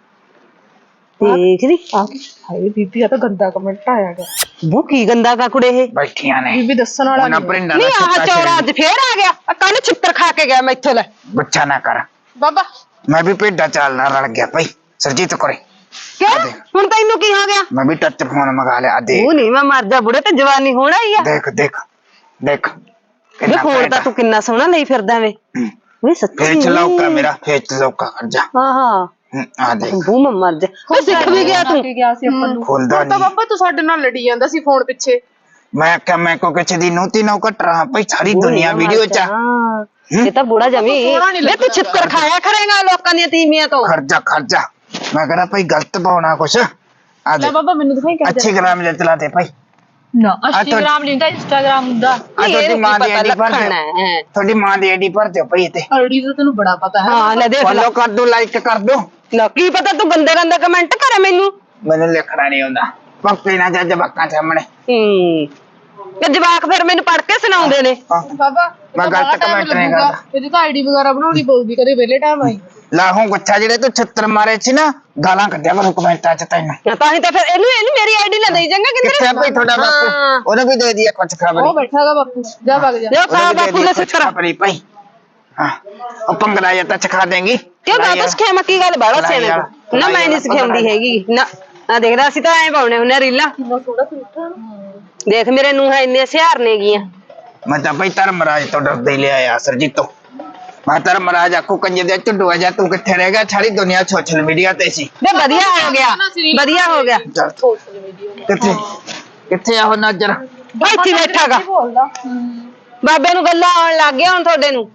ਦੇਖ ਦੀ ਆ ਹਾਏ ਬੀਬੀ ਆ ਤਾਂ ਗੰਦਾ ਕਮੈਂਟ ਆਇਆ ਗਿਆ ਬੂ ਕੀ ਗੰਦਾ ਕਾ ਕੁੜੇ ਇਹ ਬੈਠੀਆਂ ਨੇ ਬੀਬੀ ਦੱਸਣ ਵਾਲਾ ਉਹਨਾਂ ਨਹੀਂ ਪਰਿੰਦਾ ਨਹੀਂ ਦਾ ਆਹ ਛੱਤਾ ਚੌਰਾ ਅੱਜ ਫੇਰ ਆ ਗਿਆ ਕੱਲ ਛਿੱਤਰ ਖਾ ਕੇ ਗਿਆ ਮੈਥੋਂ ਲੈ ਬੱਚਾ ਨਾ ਕਰ ਬਾਬਾ ਮੈਂ ਵੀ ਭੇਡਾਂ ਚਾਲਣਾ ਰਲ ਗਿਆ ਭਾਈ ਸਰਜੀਤ ਕੋਰੇ ਕਿਉਂ ਹੁਣ ਤੈਨੂੰ ਕੀ ਹੋ ਗਿਆ ਮੈਂ ਵੀ ਟੱਚ ਫੋਨ ਮੰਗਾ ਲਿਆ ਆ ਦੇਖ ਉਹ ਨਹੀਂ ਮੈਂ ਮਰ ਜਾ ਬੁੜੇ ਤੇ ਜਵਾਨੀ ਹੋਣਾ ਹੀ ਆ ਦੇਖ ਦੇਖ ਦੇਖ ਵੇ ਕਿੰਨਾ ਫੋਨ ਫਾਇਦਾ। ਤਾਂ ਤੂੰ ਕਿੰਨਾ ਸੋਹਣਾ ਲਈ ਫਿਰਦਾ ਵੇ ਵੇ ਸੱਚੀ ਫੇਰ ਚਲਾਉਕਾ ਮੇਰਾ ਫੇਰ ਚਲਾਉਕਾ ਕਰ ਜਾ ਹਾਂ ਹਾਂ ਹਮ, ਆ ਦੇਖ ਬੂ ਮੈਂ ਮਰ ਜਾ ਵੇ ਸਿੱਖ ਵੀ ਗਿਆ ਤੂੰ ਕੇ ਗਿਆ ਸੀ ਆਪਾਂ ਨੂੰ ਖੁੱਲਦਾ ਤਾਂ ਨਹੀਂ ਬਾਬਾ ਤੂੰ ਸਾਡੇ ਨਾਲ ਲੜੀ ਜਾਂਦਾ ਸੀ ਫੋਨ ਪਿੱਛੇ ਮੈਂ ਕਿਹਾ ਮੈਂ ਕੋ ਕਿਸੇ ਦੀ ਨੂਤੀ ਨੌ ਘਟ ਰਹਾ ਭਾਈ ਸਾਰੀ ਦੁਨੀਆ ਵੀਡੀਓ ਚ ਆ। ਹਾਂ ਇਹ ਤਾਂ ਬੁੜਾ ਜਮੀ ਸੋਹਣਾ ਨੀ ਵੇ ਤੂੰ ਛਿੱਤਰ ਖਾਇਆ ਕਰੇਗਾ ਲੋਕਾਂ ਦੀਆਂ ਤੀਵੀਆਂ ਤੋਂ ਖਰਚਾ ਖਰਚਾ ਮੈਂ ਕਹਿੰਦਾ ਭਾਈ ਗਲਤ ਪਾਉਣਾ ਕੁਛ ਆ ਲੈ ਦੇ ਬਾਬਾ ਮੈਨੂੰ ਦਿਖਾਈ ਕਰ ਅੱਛੀ ਗ੍ਰਾਮ ਜੇ ਚਲਾ ਦੇ ਭਾਈ ਨਾ ਤੁਹਾਡੀ- ਇੰਸਟਾਗ੍ਰਾਮ ਨਹੀਂ ਹੁੰਦਾ ਇੰਸਟਾਗ੍ਰਾਮ ਹੁੰਦਾ ਆ ਤੁਹਾਡੀ ਮਾਂ ਦੀ ਆਈਡੀ ਭਰ ਦਿਓ ਹੈ ਤੁਹਾਡੀ ਮਾਂ ਦੀ ਆਈਡੀ ਭਰ ਦਿਓ ਭਾਈ ਤੇ ਆਈਡੀ ਦਾ ਤੈਨੂੰ ਬੜਾ ਪਤਾ ਹੈ ਹਾਂ ਲੈ ਦੇਖ ਲੈ ਫੋਲੋ ਕਰ ਦੋ ਲਾਈਕ ਕਰ ਦੋ ਲੈ ਕੀ ਪਤਾ ਤੂੰ ਗੰਦੇ ਗੰਦੇ ਕਮੈਂਟ ਕਰੇ ਮੈਨੂੰ ਮੈਨੂੰ ਲਿਖਣਾ ਨਹੀਂ ਆਉਂਦਾ ਪੱਕੇ ਨਾ ਜਾ ਜਵਾਕਾਂ ਸਾਹਮਣੇ ਹੂੰ ਤੇ ਜਵਾਕ ਫਿਰ ਮੈਨੂੰ ਪੜ ਕੇ ਸੁਣਾਉਂਦੇ ਨੇ ਹਾਂ। ਬਾਬਾ ਮੈਂ ਗਲਤ comment ਨਹੀਂ ਕਰਦਾ। ਇਹਦੀ ਤਾਂ ਆਈਡੀ ਵਗੈਰਾ ਬਣਾਉਣੀ ਪਊਗੀ ਕਦੇ ਵਿਹਲੇ ਟਾਈਮ ਆਈ ਲਾਹੋਂ ਗੁੱਛਾ ਜਿਹੜੇ ਤੂੰ ਛਿੱਤਰ ਮਾਰੇ ਸੀ ਨਾ ਗਾਲਾਂ ਕੱਢਿਆ ਮੈਨੂੰ ਕਮੈਂਟਾਂ ਚ ਤੈਨੂੰ ਤਾਂ ਹੀ ਤਾਂ ਫਿਰ ਇਹਨੂੰ ਇਹਨੂੰ ਮੇਰੀ ਆਈਡੀ ਨਾ ਦੇਈ ਜਾਂਗਾ ਕਿੱਥੇ ਆ ਭਾਈ ਤੁਹਾਡਾ ਹਾਂ। ਬਾਪੂ ਉਹਨੇ ਵੀ ਦੇ ਦਿਆ ਕੁਛ ਉਹ ਖਬਰੀ ਬੈਠਾਗਾ ਬਾਪੂ ਜਾ ਵਗ ਜਾ ਜੋ ਖਾ ਬਾਪੂ ਨੇ ਸਿੱਤਰ ਖਬਰੀ ਭਾਈ ਹਾਂ ਉਹ ਪੰਗਲਾ ਜਾਂ ਤਾਂ ਚਖਾ ਦੇਂਗੀ ਕਿਉਂ ਦਾਦਾ ਸਿਖਿਆ ਕੀ ਗੱਲ ਬਾੜਾ ਲੜਾਈ ਸਿਆਣੇ ਵਾਲਾ, ਤੋਂ ਨਾ ਮੈਂ ਨਹੀਂ ਸਿਖਾਉਂਦੀ ਹੈਗੀ ਨਾ ਆ ਦੇਖਦਾ ਅਸੀਂ ਤਾਂ ਐਂ ਪਾਉਣੇ ਹੁੰਨੇ ਰੀਲਾਂ ਦੇਖ ਮੇਰੇ ਨੂੰ ਹੈ ਇੰਨੇ ਸਿਹਾਰ ਨੇ ਗੀਆਂ ਮੈਂ ਤਾਂ ਭਾਈ ਧਰਮਰਾਜ ਤੋਂ ਡਰਦੇ ਹੀ ਲਿਆਇਆ ਸਰਜੀਤ ਤੋਂ ਮੈਂ ਧਰਮਰਾਜ ਆਖੂ ਕੰਜੇ ਦੇ ਝੁੱਡੂਆ ਜਾ ਤੂੰ ਕਿੱਥੇ ਰਹਿ ਗਿਆ ਸਾਰੀ ਦੁਨੀਆ ਸੋਸ਼ਲ ਮੀਡੀਆ ਤੇ ਸੀ ਵੇ ਵਧੀਆ ਹੋ ਗਿਆ ਵਧੀਆ ਹੋ ਗਿਆ ਚੱਲ ਕਿੱਥੇ ਕਿੱਥੇ ਆ ਉਹ ਨਜ਼ਰ ਇੱਥੇ ਬੈਠਾਗਾ ਬੋਲਦਾ ਬਾਬੇ ਨੂੰ ਗੱਲਾਂ ਆਉਣ ਲੱਗ ਗਿਆ ਹੁਣ ਤੁਹਾਡੇ ਨੂੰ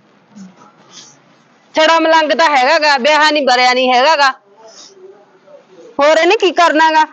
ਛੜਾ ਮਲੰਗ ਤਾਂ ਹੈਗਾਗਾ ਵਿਆਹ ਨਹੀਂ ਬਰਿਆ ਨਹੀਂ ਹੈਗਾਗਾ ਹੋਰ ਇਹਨੇ ਕੀ ਕਰਨਾਗਾ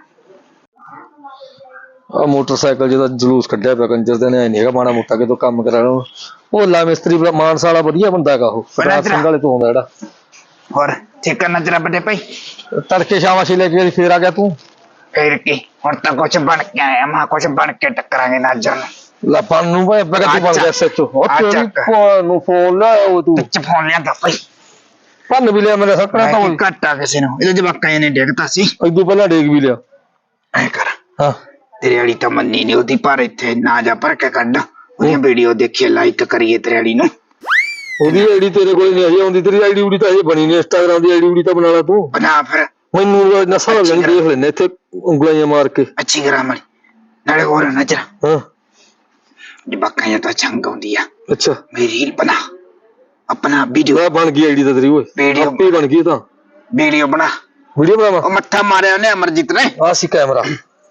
ਆ ਮੋਟਰਸਾਈਕਲ ਜਿਹਦਾ ਜਲੂਸ ਕੱਢਿਆ ਪਿਆ ਕੰਜਰ ਦੇ ਨੇ ਐ ਨਹੀਂ ਹੈਗਾ ਮਾੜਾ ਮੋਟਾ ਕਿਤੋਂ ਕੰਮ ਕਰਾ ਲਓ ਉਹ ਲਾ ਮਿਸਤਰੀ ਬੜਾ ਮਾਨਸਾ ਵਾਲਾ ਵਧੀਆ ਬੰਦਾ ਹੈਗਾ ਉਹ ਰਾਤ ਸਿੰਘ ਵਾਲੇ ਤੋਂ ਆਉਂਦਾ ਜਿਹੜਾ ਹੋਰ ਠੀਕ ਨਜ਼ਰ ਵੱਡੇ ਭਾਈ ਤੜਕੇ ਸ਼ਾਮਾਸ਼ੀ ਲੈ ਕੇ ਫੇਰ ਆ ਗਿਆ ਤੂੰ ਫੇਰ ਕੀ ਹੁਣ ਤਾਂ ਕੁਛ ਬਣ ਕੇ ਆਇਆ ਮੈਂ ਕੁਛ ਬਣ ਕੇ ਟੱਕਰਾਂਗੇ ਨਜ਼ਰ ਨੂੰ ਲਾਪਾਂ ਨੂੰ ਭਾਈ ਬਗਤੀ ਬਣ ਗਿਆ ਸੱਚੋ ਉਹ ਆ ਤੇਰੀ ਚੱਕ। ਭੈਣ ਨੂੰ ਫੋਨ ਲੈ ਉਹ ਤੂੰ ਵਿੱਚ ਫੋਨ ਲਿਆਂਦਾ ਭਾਈ ਭੰਨ ਵੀ ਲਿਆ ਮੇਰੇ ਸੱਕਣਾ ਤਾਂ ਮੈਂ ਘਟਾ ਕਿਸੇ ਨੂੰ ਇਹਦੇ ਜਵਾਕਾਂ ਨੇ ਡਿੱਗਤਾ ਸੀ ਇਦੋਂ ਪਹਿਲਾਂ ਡੇਗ ਵੀ ਲਿਆ ਐ ਕਰ ਹਾਂ ਤੇਰੇ ਵਾਲੀ ਤਾਂ ਮੰਨੀ ਨਹੀਂ ਉਹਦੀ ਪਰ ਇੱਥੇ ਨਾ ਜਾ ਭਰ ਕੇ ਕੱਢ ਉਹਦੀ ਵੀਡੀਓ ਦੇਖੀਏ ਲਾਈਕ ਕਰੀਏ ਤੇਰੇ ਵਾਲੀ ਨੂੰ ਉਹਦੀ ਆਈਡੀ ਤੇਰੇ ਕੋਲ ਨਹੀਂ ਅਜੇ ਆਉਂਦੀ ਤੇਰੀ ਆਈਡੀ ਉਡੀ ਤਾਂ ਅਜੇ ਬਣੀ ਨਹੀਂ ਇੰਸਟਾਗ੍ਰਾਮ ਦੀ ਆਈਡੀ ਉਡੀ ਤਾਂ ਬਣਾ ਲਾ ਤੂੰ ਬਣਾ ਫਿਰ ਮੈਨੂੰ ਨਸਾ ਲੈਣੀ ਦੇਖ ਲੈਨੇ ਇੱਥੇ ਉਂਗਲਾਂ ਮਾਰ ਕੇ ਅੱਛੀ ਗ੍ਰਾਮਰ ਨਾਲੇ ਹੋਰ ਨਜ਼ਰ ਹਾਂ ਜਵਾਕਾਂ ਜਾਂ ਤਾਂ ਚੰਗ ਆਉਂਦੀ ਆ ਅੱਛਾ मेरी रील बना अपना वीडियो ਮੈਂ ਬਣ ਗਈ ਆਈਡੀ ਤਾਂ ਤੇਰੀ ਓਏ ਵੀਡੀਓ ਆਪੇ ਬਣ ਗਈ ਤਾਂ वीडियो बना ਵੀਡੀਓ ਬਣਾਵਾ ओ मत्था मारे ने अमरजीत ने ਆ ਸੀ ਕੈਮਰਾ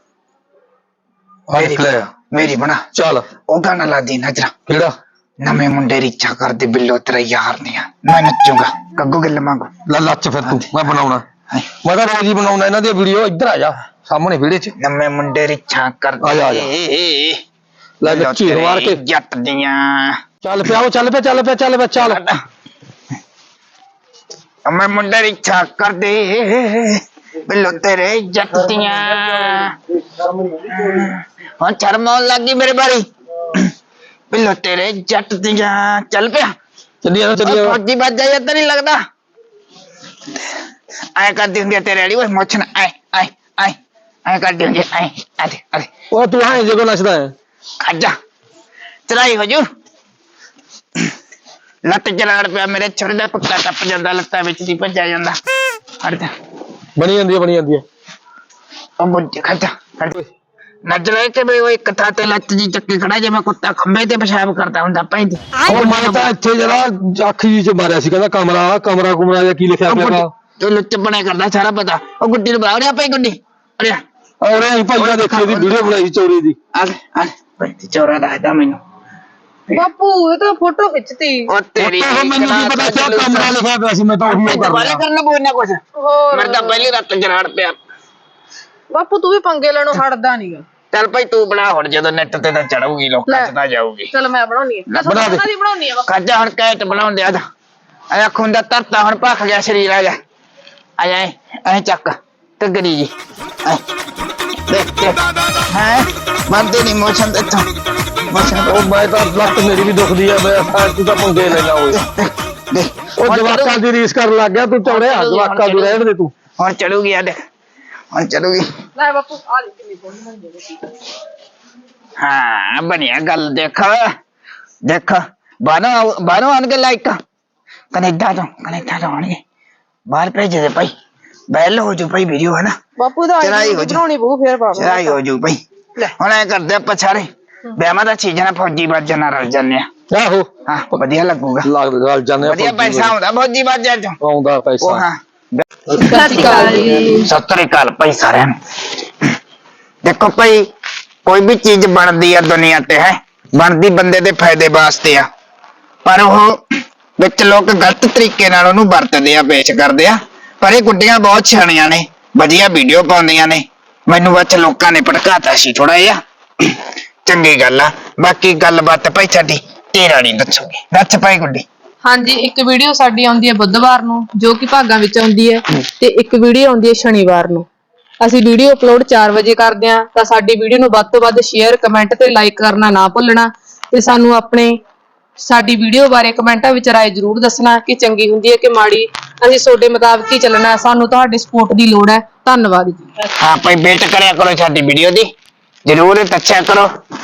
ਆ ਨਿਕਲਿਆ मेरी बना ਚੱਲ ओ गाना ला दी नजरा ਕਿਹੜਾ नवे मुंडे रिचा कर दे बिल्लो तेरा यार नहीं मैं नचूंगा कग्गू गिल मांगू ਲੈ ਲੱਚ ਫਿਰ ਤੂੰ ਮੈਂ ਬਣਾਉਣਾ ਮੈਂ ਤਾਂ ਰੋਜ਼ ਹੀ ਬਣਾਉਣਾ ਇਹਨਾਂ ਦੀ ਵੀਡੀਓ ਇੱਧਰ ਆ ਜਾ ਸਾਹਮਣੇ ਵਿਹੜੇ 'ਚ नवे मुंडे रिचा कर आ जा, आ जा। दे ਲੈ ਲੱਚੀ ਮਾਰ ਕੇ जट दियां ਚੱਲ ਪਿਆ ਉਹ ਚੱਲ ਪਿਆ ਚੱਲ ਪਿਆ ਚੱਲ ਪਿਆ ਚੱਲ नवे मुंडे रिचा कर दे बिल्लो तेरे जट दियां हाँ शर्म आउण लग गई मेरे बारी बिल्लो तेरे जट दियां चल पिया ਚੱਲੀ ਆ ਚੱਲੀ ਆ फौजी बच जाए तो नहीं लगता ऐ करती होंगी तेरे वाली ओए मोछन ऐ ऐ ऐ ऐ करती होंगी ऐ अरे अरे ਉਹ ਤੂੰ ਹਾਂ ਜਗੋ ਨੱਚਦਾ ਹੈ खजा चलाई हजूर लत जलाड़ पिया मेरे छोरे दा पक्का टप जांदा लत्तां विच दी भज्जा जांदा हट जा ਬਣੀ ਜਾਂਦੀ ਹੈ ਬਣੀ ਜਾਂਦੀ ਹੈ ओ मुझे खजा हट नज ले के बई ओए एक था ते लत जी चक्की खड़ा जे मैं कुत्ता खंबे ते पेशाब करदा हुंदा पैंदी ਉਹ ਮੈਂ ਤਾਂ ਇੱਥੇ ਜਰਾ ਅੱਖ ਜੀ ਚ ਮਾਰਿਆ ਸੀ ਕਹਿੰਦਾ ਕਮਰਾ ਕਮਰਾ ਕੁਮਰਾ ਜਾਂ ਕੀ ਲਿਖਿਆ ਪਿਆ ਤੂੰ ਲੁੱਚ ਬਣੇ ਕਰਦਾ ਸਾਰਾ ਪਤਾ ਉਹ ਗੁੱਡੀ ਨੂੰ ਬੁਲਾ ਰਿਹਾ ਪਈ ਗੁੱਡੀ ਅਰੇ ਔਰ ਇਹ ਭਾਈਆ ਦੇਖੀ ਦੀ ਵੀਡੀਓ ਬਣਾਈ ਚੋਰੀ ਦੀ ਆ ਆ ਬਈ ਚੋਰਾ ਦੱਸਦਾ ਮੈਨੂੰ ਬਾਪੂ ਇਹ ਤਾਂ ਫੋਟੋ ਖਿੱਚਤੀ ਉਹ ਤੇਰੀ ਉਹ ਮੈਨੂੰ ਕੀ ਪਤਾ ਕਿਆ ਕਮਰਾ ਲਿਖਿਆ ਪਿਆ ਸੀ ਮੈਂ ਤਾਂ ਉਹੀ ਉਹ ਦੁਬਾਰਾ ਕਰਦਾ ਕਰਨਾ ਪਊ ਨਾ ਕੁਛ ਹੋਰ ਮੇਰੇ ਤਾਂ ਪਹਿਲੀ ਰਾਤ ਜਰਾੜ ਪਿਆ ਬਾਪੂ ਤੂੰ ਵੀ ਪੰਗੇ ਲੈਣੋਂ ਹਟਦਾ ਨਹੀਂਗਾ ਚੱਲ ਭਾਈ ਤੂੰ ਬਣਾ ਹੁਣ ਜਦੋਂ ਨੈਟ ਤੇ ਤਾਂ ਚੜੂਗੀ ਲੋਕਾਂ ਚ ਤਾਂ ਜਾਊਗੀ ਚਲ ਮੈਂ ਬਣਾਉਣੀ ਆ ਬਣਾ ਦੇ। ਦੀ ਬਣਾਉਣੀ ਆ ਖਾਜਾ ਹੁਣ ਕੈਟ ਬਣਾਉਂਦੇ ਆ ਜਾ ਆਇਆ ਖੁੰਦਾ ਤਰਤਾ ਹੁਣ ਭੱਖ ਗਿਆ ਸਰੀਰ ਆ ਜਾ ਆ ਜਾ ਐ ਚੱਕ ਤਗੜੀ ਜੀ ਐ ਦੇਖ ਦੇਖ ਹੈ ਬੰਦੇ ਨਹੀਂ ਮੋਸ਼ਨ ਤੇ ਇੱਥੋਂ ਮੋਸ਼ਨ ਉਹ ਮੈਂ ਤਾਂ ਲੱਤ ਮੇਰੀ ਵੀ ਦੁਖਦੀ ਆ ਮੈਂ ਤੂੰ ਤਾਂ ਪੰਗੇ ਲੈਣਾ ਓਏ ਦੇਖ ਉਹ ਜਵਾਕਾਂ ਦੀ ਰੀਸ ਕਰਨ ਲੱਗ ਗਿਆ ਤੂੰ ਚੌੜਿਆ ਜਵਾਕਾਂ ਦੀ ਰਹਿਣ ਦੇ ਤੂੰ ਹੁਣ ਚੜੂਗੀ ਆ ਦੇਖ ਹੁਣ ਚੜੂਗੀ ਲੈ ਬਾਪੂ ਆ ਲੈ ਕਿੰਨੀ ਸੋਹਣੀ ਬਣ ਜਾਵੇ ਹਾਂ ਬਣਿਆ ਗੱਲ ਦੇਖ ਦੇਖ ਬਾਹਰੋਂ ਬਾਹਰੋਂ ਆਣ ਕੇ ਲਾਈਕ ਕੈਨੇਡਾ ਤੋਂ ਕੈਨੇਡਾ ਤੋਂ ਆਣਗੇ ਬਾਹਰ ਭੇਜ ਦੇ ਭਾਈ ਬੈਲ ਹੋ ਜੂ ਭਾਈ ਵੀਡੀਓ ਹੈ ਨਾ ਬਾਪੂ ਦਾ ਚੜਾਈ ਹੋ ਜੂ ਬਣਾਉਣੀ ਪਊ ਫੇਰ ਬਾਪੂ ਚੜਾਈ ਹੋ ਜੂ ਭਾਈ ਹੁਣ ਐ ਕਰਦੇ ਆਪਾਂ ਸਾਰੇ ਵਿਆਹਾਂ ਦਾ ਸੀਜ਼ਨ ਫੌਜੀ ਬਾਜਾਂ ਨਾਲ ਰਲ ਜਾਂਦੇ ਆ ਆਹੋ ਹਾਂ ਵਧੀਆ ਲੱਗੂਗਾ ਲੱਗ ਗੱਲ ਜਾਂਦੇ ਆ ਵਧੀਆ ਪੈਸਾ ਆਉਂਦਾ ਫੌਜੀ ਬਾਜਾਂ ਚੋਂ ਆਉਂਦਾ ਉਹ ਪੈਸਾ ਹਾਂ ਸਤਿ ਸ਼੍ਰੀ ਅਕਾਲ ਜੀ ਸਤਿ ਸ੍ਰੀ ਅਕਾਲ ਭਾਈ ਸਾਰਿਆਂ ਨੂੰ ਦੇਖੋ ਭਾਈ ਕੋਈ ਵੀ ਚੀਜ਼ ਬਣਦੀ ਆ ਦੁਨੀਆ ਤੇ ਹੈ ਬਣਦੀ ਬੰਦੇ ਦੇ ਫਾਇਦੇ ਵਾਸਤੇ ਆ ਪਰ ਉਹ ਵਿੱਚ ਲੋਕ ਗਲਤ ਤਰੀਕੇ ਨਾਲ ਉਹਨੂੰ ਵਰਤਦੇ ਆ ਪੇਸ਼ ਕਰਦੇ ਆ ਪਰ ਇਹ ਗੁੱਡੀਆਂ ਬਹੁਤ ਸਿਆਣੀਆਂ ਨੇ ਵਧੀਆ ਵੀਡੀਓ ਪਾਉਂਦੀਆਂ ਨੇ ਮੈਨੂੰ ਵਿੱਚ ਲੋਕਾਂ ਨੇ ਭੜਕਾਤਾ ਸੀ ਥੋੜਾ ਜਿਹਾ ਚੰਗੀ ਗੱਲ ਆ ਬਾਕੀ ਗੱਲਬਾਤ ਭਾਈ ਸਾਡੀ ਤੇਰਾ ਨਹੀਂ ਦੱਸੋਗੇ ਦੱਸ ਭਾਈ ਗੁੱਡੀ ਹਾਂਜੀ ਇੱਕ ਵੀਡੀਓ ਸਾਡੀ ਆਉਂਦੀ ਹੈ ਬੁੱਧਵਾਰ ਨੂੰ ਜੋ ਕਿ ਭਾਗਾਂ ਵਿੱਚ ਆਉਂਦੀ ਹੈ ਤੇ ਇੱਕ ਵੀਡੀਓ ਆਉਂਦੀ ਹੈ ਸ਼ਨੀਵਾਰ ਨੂੰ ਅਸੀਂ ਵੀਡੀਓ ਅਪਲੋਡ ਚਾਰ ਵਜੇ ਕਰਦੇ ਹਾਂ ਤਾਂ ਸਾਡੀ ਵੀਡੀਓ ਨੂੰ ਵੱਧ ਤੋਂ ਵੱਧ ਸ਼ੇਅਰ ਕਮੈਂਟ ਤੇ ਲਾਈਕ ਕਰਨਾ ਨਾ ਭੁੱਲਣਾ ਤੇ ਸਾਨੂੰ ਆਪਣੇ ਸਾਡੀ ਵੀਡੀਓ ਬਾਰੇ ਕਮੈਂਟਾਂ ਵਿੱਚ ਰਾਏ ਜ਼ਰੂਰ ਦੱਸਣਾ ਕਿ ਚੰਗੀ ਹੁੰਦੀ ਹੈ ਕਿ ਮਾੜੀ ਅਸੀਂ ਤੁਹਾਡੇ ਮੁਤਾਬਕ ਹੀ ਚੱਲਣਾ ਸਾਨੂੰ ਤੁਹਾਡੇ ਸਪੋਰਟ ਦੀ ਲੋੜ ਹੈ ਧੰਨਵਾਦ ਜੀ ਹਾਂ ਭਾਈ ਵੇਟ ਕਰਿਆ ਕਰੋ ਸਾਡੀ ਵੀਡੀਓ ਦੀ ਜਰੂਰ ਦੱਸਿਆ ਕਰੋ